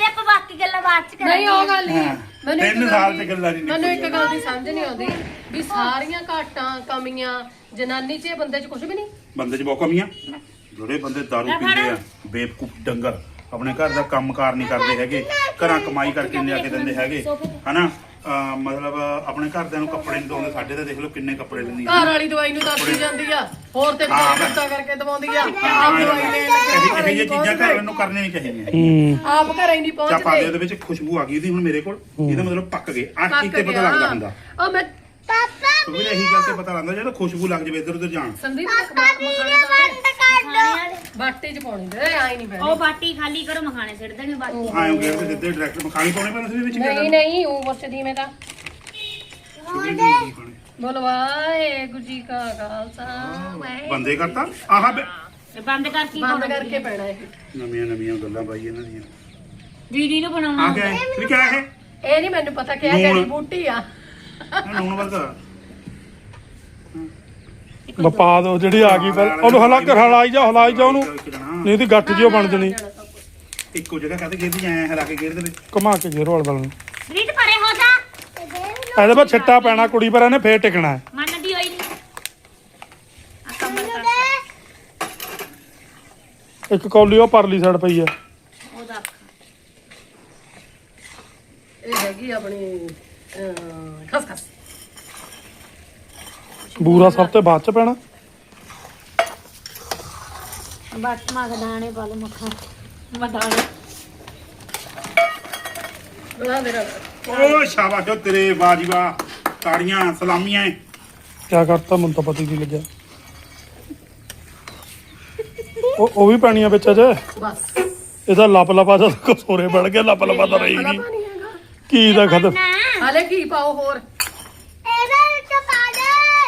ਕਰਦੇ ਆਪਾਂ ਬਾਕੀ ਗੱਲਾਂ ਬਾਅਦ ਚ ਕਰਾਂਗੇ
ਨਹੀਂ ਉਹ ਗੱਲ ਨਹੀਂ
ਹਾਂ।
ਮੈਨੂੰ ਇੱਕ
ਤਿੰਨ
ਗੱਲ
ਸਾਲ
ਦੀ-
ਚ ਗੱਲਾਂ ਨਹੀਂ
ਮੈਨੂੰ ਇੱਕ ਗੱਲ ਦੀ ਸਮਝ ਨਹੀਂ ਆਉਂਦੀ ਵੀ ਸਾਰੀਆਂ ਘਾਟਾਂ ਕਮੀਆਂ ਜਨਾਨੀ 'ਚ ਬੰਦੇ 'ਚ ਕੁਝ ਵੀ ਨਹੀਂ।
ਬੰਦੇ 'ਚ ਬਹੁਤ ਕਮੀਆਂ ਜਿਹੜੇ ਬੰਦੇ ਦਾਰੂ ਪੀਂਦੇ ਆ ਬੇਵਕੂਫ ਡੰਗਰ ਆਪਣੇ ਘਰ ਦਾ ਕੰਮਕਾਰ ਨਹੀਂ ਕਰਦੇ ਹੈਗੇ ਘਰਾਂ ਕਮਾਈ ਕਰਕੇ ਨਹੀਂ ਲਿਆ ਕੇ ਦਿੰਦੇ ਹੈਗੇ ਹਨਾ ਅਹ ਮਤਲਬ ਆਪਣੇ ਘਰਦਿਆਂ ਨੂੰ ਕੱਪੜੇ ਨਹੀਂ ਧੋਂਦੇ ਸਾਡੇ ਤਾਂ ਦੇਖ ਲਓ ਕਿੰਨੇ ਕੱਪੜੇ ਲੈਂਦੀ
ਘਰ ਵਾਲੀ ਦਵਾਈ ਨੂੰ ਦੱਸੀ ਜਾਂਦੀ ਆ ਹੋਰ ਤੇ
ਹਾਂ, ਮੈਂ-
ਗੁੱਸਾ ਕਰਕੇ ਦਵਾਉਂਦੀ ਆ ਆਪ ਦਵਾਈ ਲੈਣ ਲੱਗੇ
ਇਹ ਇਹ ਚੀਜ਼ਾਂ ਘਰ ਨੂੰ ਕਰਨੀਆਂ ਨਹੀਂ ਚਾਹੀਦੀਆਂ
ਹੂੰ
ਆਪ ਘਰੇ ਨਹੀਂ
ਚਾਪਾ ਦੇ
ਪਹੁੰਚਦੇ
ਉਹਦੇ ਵਿੱਚ ਖੁਸ਼ਬੂ ਆ ਗਈ ਉਹਦੀ ਹੁਣ ਮੇਰੇ ਕੋਲ ਇਹਦਾ ਮਤਲਬ ਪੱਕ ਗਏ ਆਹ ਚੀਜ਼ ਤੇ ਪਤਾ
ਗਿਆ।
ਲੱਗਦਾ ਹੁੰਦਾ
ਉਹ ਮੈਂ
ਕਿਉਂਕਿ ਇਹੀ ਗੱਲ ਤੇ ਪਤਾ ਲੱਗਦਾ ਜਦੋਂ ਖੁਸ਼ਬੂ ਲੱਗ ਜਾਵੇ ਇੱਧਰ ਉੱਧਰ ਜਾਣ
ਸੰਦੀਪ ਮਖਾਣੇ ਪਾਉਣੇ ਬਾਟੇ 'ਚ ਪਾਉਣੇ ਦੇ ਆਈ ਨਹੀਂ ਪੈਣੇ
ਉਹ ਬਾਟੀ ਖਾਲੀ ਕਰੋ ਮਖਾਣੇ ਸਿੱਟ ਦੇਣੇ ਬਾਟੀ
ਆਇਓ ਗੇਰ ਤੇ ਸਿੱਧੇ ਡਾਇਰੈਕਟ ਮਖਾਣੀ ਪਾਉਣੇ ਪੈਣ ਉਸ ਵਿੱਚ
ਨਹੀਂ ਨਹੀਂ ਉਹ ਵਰਤਦੀ ਮੈਂ ਤਾਂ ਬੋਲਵਾਏ ਗੁਜੀ ਕਾ ਖਾਲਸਾ ਵਾਹਿਗੁਰੂ।
ਬੰਦੇ ਕਰਤਾ ਆਹ ਬੇ-
ਇਹ ਬੰਦ ਕਰ ਕੀ
ਬੰਦ ਕਰਕੇ ਪੈਣਾ ਇਹ
ਨਵੀਆਂ ਨਵੀਆਂ ਗੱਲਾਂ ਬਾਈ ਇਹਨਾਂ ਦੀਆਂ
ਦੀਦੀ ਨੂੰ ਬਣਾਉਣਾ
ਆ ਗਿਆ ਵੀ ਕਿਆ ਹੈ
ਇਹ ਨਹੀਂ ਮੈਨੂੰ ਪਤਾ ਕਿਹਾ
ਲੂਣ।
ਜੜੀ ਬੂਟੀ ਆ
ਇਹ ਨੂਣ ਵਰਗਾ
ਬਪਾ ਦੋ ਜਿਹੜੀ ਆ ਗਈ ਫਿਰ ਉਹਨੂੰ ਹਲਾ ਕੇ ਹਲਾਈ ਜਾ ਹਲਾਈ ਜਾ ਉਹਨੂੰ ਨਹੀਂ ਇਹਦੀ ਗੱਠ ਜਿਓ ਬਣ ਜਣੀ
ਇੱਕੋ ਜਗ੍ਹਾ ਕਾਤੇ ਗੇਰਦੀ ਐ ਹਲਾ ਕੇ ਗੇਰ ਦੇ
ਘੁਮਾ ਕੇ ਘੇਰੋ ਵਾਲ ਨੂੰ
ਰੀਤ ਪਰੇ ਹੋ ਜਾ
ਇਹਦੇ ਬਾਅਦ ਛਿੱਟਾ ਪੈਣਾ ਕੁੜੀ ਪਰ ਇਹਨੇ ਫੇਰ ਟਿਕਣਾ ਹੈ।
ਮੰਨਦੀ ਹੋਈ ਨਹੀਂ ਆ ਕਮਰ ਕਰ
ਇੱਕ ਕੌਲੀ ਉਹ ਪਰਲੀ ਸਾਈਡ ਪਈ ਆ
ਉਹਦਾ
ਇਹ ਹੈਗੀ ਆਪਣੀ ਖਸ ਖਸ
ਬੂਰਾ ਸਭ ਤੋਂ ਬਾਅਦ ਚ ਪੈਣਾ
ਬਸ ਮਗਦਾਣੇ ਪਾ ਲਓ ਮੱਖਾ ਮਦਾਣੇ
ਬਣਾ ਦੇ ਰ
ਓ ਸ਼ਾਬਾਸ਼ ਓ ਤੇਰੇ ਵਾਹ ਜੀ ਵਾਹ ਤਾੜੀਆਂ ਸਲਾਮੀਆਂ
ਕਿਆ ਕਰਤਾ ਮੈਨੂੰ ਤਾਂ ਪਤਾ ਹੀ ਨਹੀਂ ਲੱਗਿਆ ਉਹ ਉਹ ਵੀ ਪਾਣੀਆਂ ਵਿੱਚ ਅਜੇ
ਬਸ
ਇਹਦਾ ਲੱਪ ਲਪਾ ਜਦ ਕਸੋਰੇ ਬਣ ਗਿਆ ਲੱਪ ਲਪਾ ਤਾਂ ਰਹੀ ਨਹੀਂ
ਪਾਣੀ ਹੈਗਾ
ਕੀ ਦਾ ਖਤਮ
ਹਾਲੇ ਕੀ ਪਾਓ ਹੋਰ
ਇਹਦੇ ਵਿੱਚ ਪਾ ਦੇ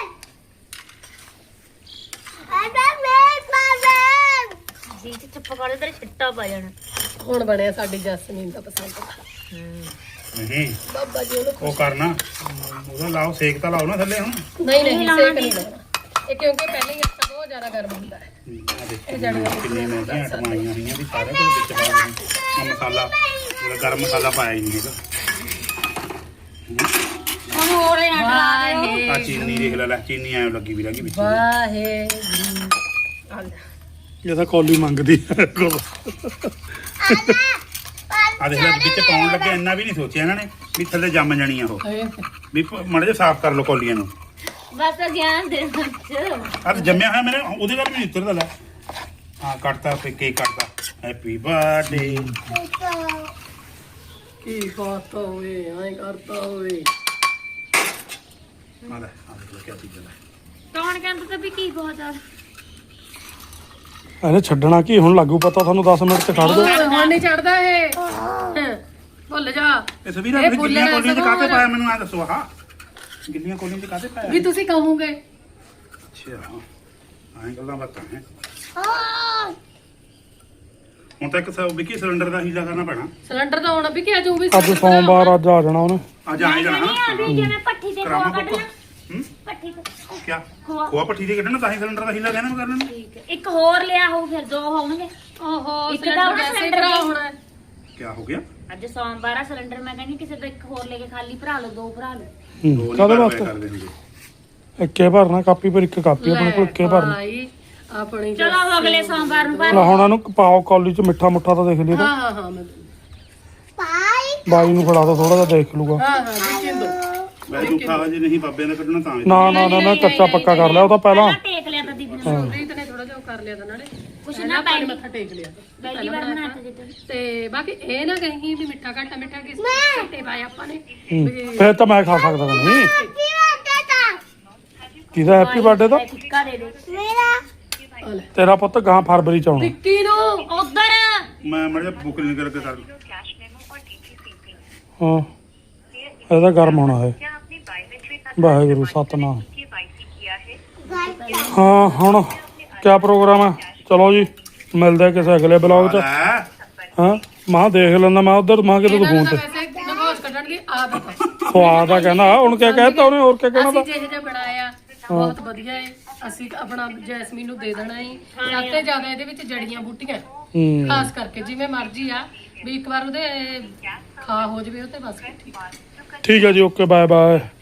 ਇਹਦੇ ਵਿੱਚ ਪਾ ਦੇ
ਜੀ ਚ ਚੁੱਪ ਕਰ ਤੇਰੇ ਛਿੱਟਾ ਪਾ ਜਾਣਾ
ਹੁਣ ਬਣਿਆ ਸਾਡੀ ਜਸਮੀਨ ਦਾ ਪਸੰਦ ਦਾ
ਨਹੀਂ
ਬਾਬਾ ਜੀ ਉਹਨੂੰ
ਉਹ ਕਰਨਾ ਉਹਦਾ ਲਾਓ ਸੇਕ ਤਾਂ ਲਾਓ ਨਾ ਥੱਲੇ ਹੁਣ
ਨਹੀਂ ਨਹੀਂ ਸੇਕ ਨਹੀਂ ਲਾਉਣਾ ਇਹ ਕਿਉਂਕਿ ਪਹਿਲਾਂ ਹੀ ਆਟਾ ਬਹੁਤ ਜ਼ਿਆਦਾ ਗਰਮ ਹੁੰਦਾ ਹੈ
ਆਹ ਦੇਖੋ ਕਿੰਨੀਆਂ ਮਹਿੰਗੀਆਂ ਆਈਟਮਾਂ ਆਈਆਂ ਹੋਈਆਂ ਵੀ ਸਾਰੇ ਦੇ ਵਿੱਚ ਪਾਉਣਾ ਆ ਮਸਾਲਾ ਜਿਹੜਾ ਗਰਮ ਮਸਾਲਾ ਪਾਇਆ ਹੀ ਨਹੀਂ ਹੈਗਾ
ਹੁਣ ਹੋਰ ਇਹ ਨਾ ਲਾ ਦਿਓ
ਵਾਹੇ
ਆ ਚੀਨੀ ਦੇਖ ਲੈ ਲੈ ਚੀਨੀ ਐਂ ਲੱਗੀ ਵੀ ਲੱਗੀ ਵਿੱਚ
ਵਾਹੇ
ਇਹ ਤਾਂ ਕੌਲੀ ਮੰਗਦੀ ਹੈ
ਆ ਦੇਖ ਲੈ ਵਿੱਚ ਪਾਉਣ ਲੱਗੇ ਇੰਨਾ ਵੀ ਨਹੀਂ ਸੋਚਿਆ ਇਹਨਾਂ ਨੇ ਵੀ ਥੱਲੇ ਜੰਮ ਜਾਣੀਆਂ ਉਹ ਵੀ ਮੜੇ ਜੇ ਸਾਫ਼ ਕਰ ਲਓ ਕੌਲੀਆਂ ਨੂੰ
ਬਸ ਗਿਆਨ ਦੇ ਵਿੱਚ
ਆ ਤਾਂ ਜੰਮਿਆ ਹੋਇਆ ਮੇਰੇ ਉਹਦੇ ਨਾਲ ਵੀ ਨਹੀਂ ਉਤਰਦਾ ਲੈ ਹਾਂ ਕੱਟਤਾ ਫੇ ਕੇਕ ਕੱਟਤਾ ਹੈਪੀ ਬਰਥਡੇ
ਕੀ ਕਰਤਾ ਹੋਵੇ ਐਂ ਕਰਤਾ ਹੋਵੇ
ਆ ਲੈ ਆ ਦੇਖ ਕੀ ਚੀਜ਼ ਹੈ
ਕੌਣ ਕਹਿੰਦਾ ਤੇ ਵੀ ਕੀ ਬਹੁਤ ਆ
ਇਹਨੇ ਛੱਡਣਾ ਕੀ ਹੁਣ ਲੱਗੂ ਪਤਾ ਤੁਹਾਨੂੰ ਦਸ ਮਿੰਟ ਚ ਖੜ ਦੋ
ਹੁਣ ਨਹੀਂ ਚੜਦਾ ਇਹ ਹੈਂ, ਭੁੱਲ ਜਾ
ਇਹ ਸਵੀਰਾ
ਇਹ
ਵੀ
ਫੁੱਲ
ਗਿੱਲੀਆਂ
ਹੈ
ਕੋਲੀਆਂ ਚ
ਸਗੋਂ
ਕਾਤੇ ਪਾਇਆ ਮੈਨੂੰ ਆ ਦੱਸੋ ਆਹ ਗਿੱਲੀਆਂ ਕੋਲੀਆਂ ਚ ਕਾਤੇ ਪਾਇਆ
ਵੀ ਤੁਸੀਂ ਕਹੋਗੇ
ਅੱਛਾ ਆਹ ਗੱਲਾਂ ਬਾਤਾਂ ਹੈ
ਹਾਂ
ਹੁਣ ਤਾਂ ਇੱਕ ਸੌ ਵਿੱਕੀ ਸਿਲੰਡਰ ਦਾ ਹੀਲਾ ਕਰਨਾ ਪੈਣਾ
ਸਿਲੰਡਰ ਤਾਂ ਆਉਣਾ ਵੀ ਕਿ ਅੱਜ ਉਹ ਵੀ
ਅੱਜ ਸੋਮਵਾਰ ਅੱਜ ਆ ਜਾਣਾ ਉਹਨੇ
ਅੱਜ ਆਏ ਜਾਣਾ
ਨਹੀਂ ਆਉਂਦੀ ਜਿਵੇਂ ਪੱਠੀ ਤੇ
ਕਰਾਮਾ
ਖੋਆ
ਕੋਕੋ
ਕੱਢਣਾ
ਹੂੰ
ਪੱਠੀ ਤੇ
ਕਿਆ
ਖੋਆ।
ਖੋਆ ਪੱਠੀ ਦੇ ਕੱਢਣਾ ਤਾਂ ਹੀ ਸਿਲੰਡਰ ਦਾ ਹੀਲਾ ਕਹਿਣਾ ਮੈਂ ਕਰਨਾ
ਠੀਕ ਹੈ ਇੱਕ ਹੋਰ ਲਿਆ ਹੋਊ ਫਿਰ ਦੋ ਹੋਣਗੇ
ਓਹੋ
ਇੱਕ
ਸਿਲੰਡਰ
ਤਾਂ
ਵੈਸੇ ਹੀ
ਸਿਲੰਡਰ
ਭਰਾ
ਦੀ-
ਹੋਣਾ ਹੈ।
ਕਿਆ ਹੋ ਗਿਆ
ਅੱਜ ਸੋਮਵਾਰ ਆ ਸਿਲੰਡਰ ਮੈਂ ਕਹਿੰਦੀ ਕਿਸੇ ਦਾ ਇੱਕ ਹੋਰ ਲੈ ਕੇ ਖਾਲੀ ਭਰਾ ਲਓ ਦੋ ਭਰਾ ਲਓ
ਹੂੰ,
ਦੋ
ਕਾਹਦੇ
ਨਹੀਂ
ਵਾਸਤੇ
ਕਰਦੇ ਹੁੰਦੇ
ਇੱਕੇ ਭਰਨਾ ਕਾਪੀ ਪਰ ਇੱਕ ਕਾਪੀ ਆਪਣੇ ਕੋਲ ਇੱਕੇ ਭਰਨਾ
ਭਾਈ ਆਪਣੀ
ਚਲੋ ਉਹ ਅਗਲੇ ਸੋਮਵਾਰ ਨੂੰ ਭਰ
ਲੈ ਹੁਣ ਇਹਨੂੰ ਪਾਓ ਕੌਲੀ ਚ ਮਿੱਠਾ ਮੁੱਠਾ ਤਾਂ ਦੇਖ ਲਿਆ
ਹਾਂ ਹਾਂ ਹਾਂ ਮੈਂ
ਪਾਈ
ਬਾਈ ਨੂੰ ਫੜਾ ਦੋ ਥੋੜਾ ਜਿਹਾ ਦੇਖ ਲੂਗਾ
ਹਾਂ ਹਾਂ ਦੇਖੀ ਦੋ
ਮੈਂ ਝੂਠਾ ਹਜੇ ਨਹੀਂ ਬਾਬਿਆਂ ਦਾ ਕੱਢਣਾ ਤਾਂ
ਨਾ ਨਾ ਨਾ ਨਾ ਕੱਚਾ ਪੱਕਾ ਕਰ ਲਿਆ ਉਹ ਤਾਂ ਪਹਿਲਾਂ
ਟੇਕ ਲਿਆ ਤਾਂ ਦੀਦੀ ਨੇ
ਰੀਤ ਨੇ ਥੋੜਾ ਜਿਹਾ ਉਹ ਕਰ ਲਿਆ ਤਾਂ ਨਾਲੇ
ਕੁਛ
ਪਹਿਲਾਂ
ਨਾ
ਆਪਾਂ ਨੇ
ਪਹਿਲੀ
ਮੱਥਾ ਟੇਕ ਲਿਆ
ਪਹਿਲੀ ਵਾਰ ਬਣਾਇਆ ਜਿੱਦਾਂ
ਤੇ ਬਾਕੀ ਇਹ ਨਾ ਕਹੀਂ ਵੀ ਮਿੱਠਾ ਘੱਟਾ ਮਿੱਠਾ ਕਿਸ ਘੱਟੇ ਪਾਏ ਆਪਾਂ ਨੇ
ਹੂੰ, ਫਿਰ ਤਾਂ ਮੈਂ ਖਾ ਸਕਦਾ ਨਹੀਂ
ਕੀ ਹੁੰਦਾ ਤਾ
ਕਿਹਦਾ ਹੈਪੀ ਬਰਥਡੇ ਦਾ
ਟਿੱਕਾ ਦੇ ਦੇ
ਮੇਰਾ
ਆ ਲੈ
ਤੇਰਾ ਪੁੱਤ ਗਾਂ ਫਰਵਰੀ ਚ ਆਉਣਾ
ਵਿੱਕੀ ਨੂੰ
ਉਧਰ
ਮੈਂ ਮੜੇ ਬੁੱਕ ਨਹੀਂ ਕਰਕੇ ਕਰ
ਹਾਂ ਇਹਦਾ ਗਰਮ ਹੋਣਾ ਹੈ ਵਾਹਿਗੁਰੂ ਸਤਨਾਮ ਹਾਂ ਹੁਣ ਕਿਆ ਪ੍ਰੋਗਰਾਮ ਹੈ ਚਲੋ ਜੀ ਮਿਲਦੇ ਆ ਕਿਸੇ ਅਗਲੇ ਬਲੌਗ ਚ
ਲੈ
ਹਾਂ ਮਾਂ ਦੇਖ ਲੈਂਦਾ ਮੈਂ ਉਧਰ ਮਾਂ ਕਿਤੇ ਤੂੰ
ਇਹਨਾਂ
ਫੋਨ
ਨੂੰ
ਤੇ
ਤਾਂ ਵੈਸੇ ਨਗੋਸ਼ ਕੱਢਣ ਦੀ ਆਦਤ ਹੈ
ਸਵਾਦ ਆ ਕਹਿੰਦਾ ਹੁਣ ਕਿਆ ਕਹਿਤਾ ਉਹਨੇ ਹੋਰ ਕਿਆ ਕਹਿਣਾ
ਅਸੀਂ
ਤਾਂ
ਜਿਹੇ ਜਿਹਾ ਬਣਾਇਆ ਬਹੁਤ ਵਧੀਆ ਹੈ ਅਸੀਂ ਆਪਣਾ ਜੈਸਮੀਨ ਨੂੰ ਦੇ ਦੇਣਾ ਹੈ ਸਭ ਤੋਂ ਜ਼ਿਆਦਾ ਇਹਦੇ ਵਿੱਚ ਜੜੀਆਂ ਬੂਟੀਆਂ
ਹੂੰ
ਖਾਸ ਕਰਕੇ ਜਿਵੇਂ ਮਰਜ਼ੀ ਆ ਵੀ ਇੱਕ ਵਾਰ ਉਹਦੇ ਖਾ ਹੋ ਜਵੇ ਉਹ ਤੇ ਬਸ ਠੀਕ।
ਠੀਕ ਹੈ ਜੀ ਓਕੇ ਬਾਏ ਬਾਏ।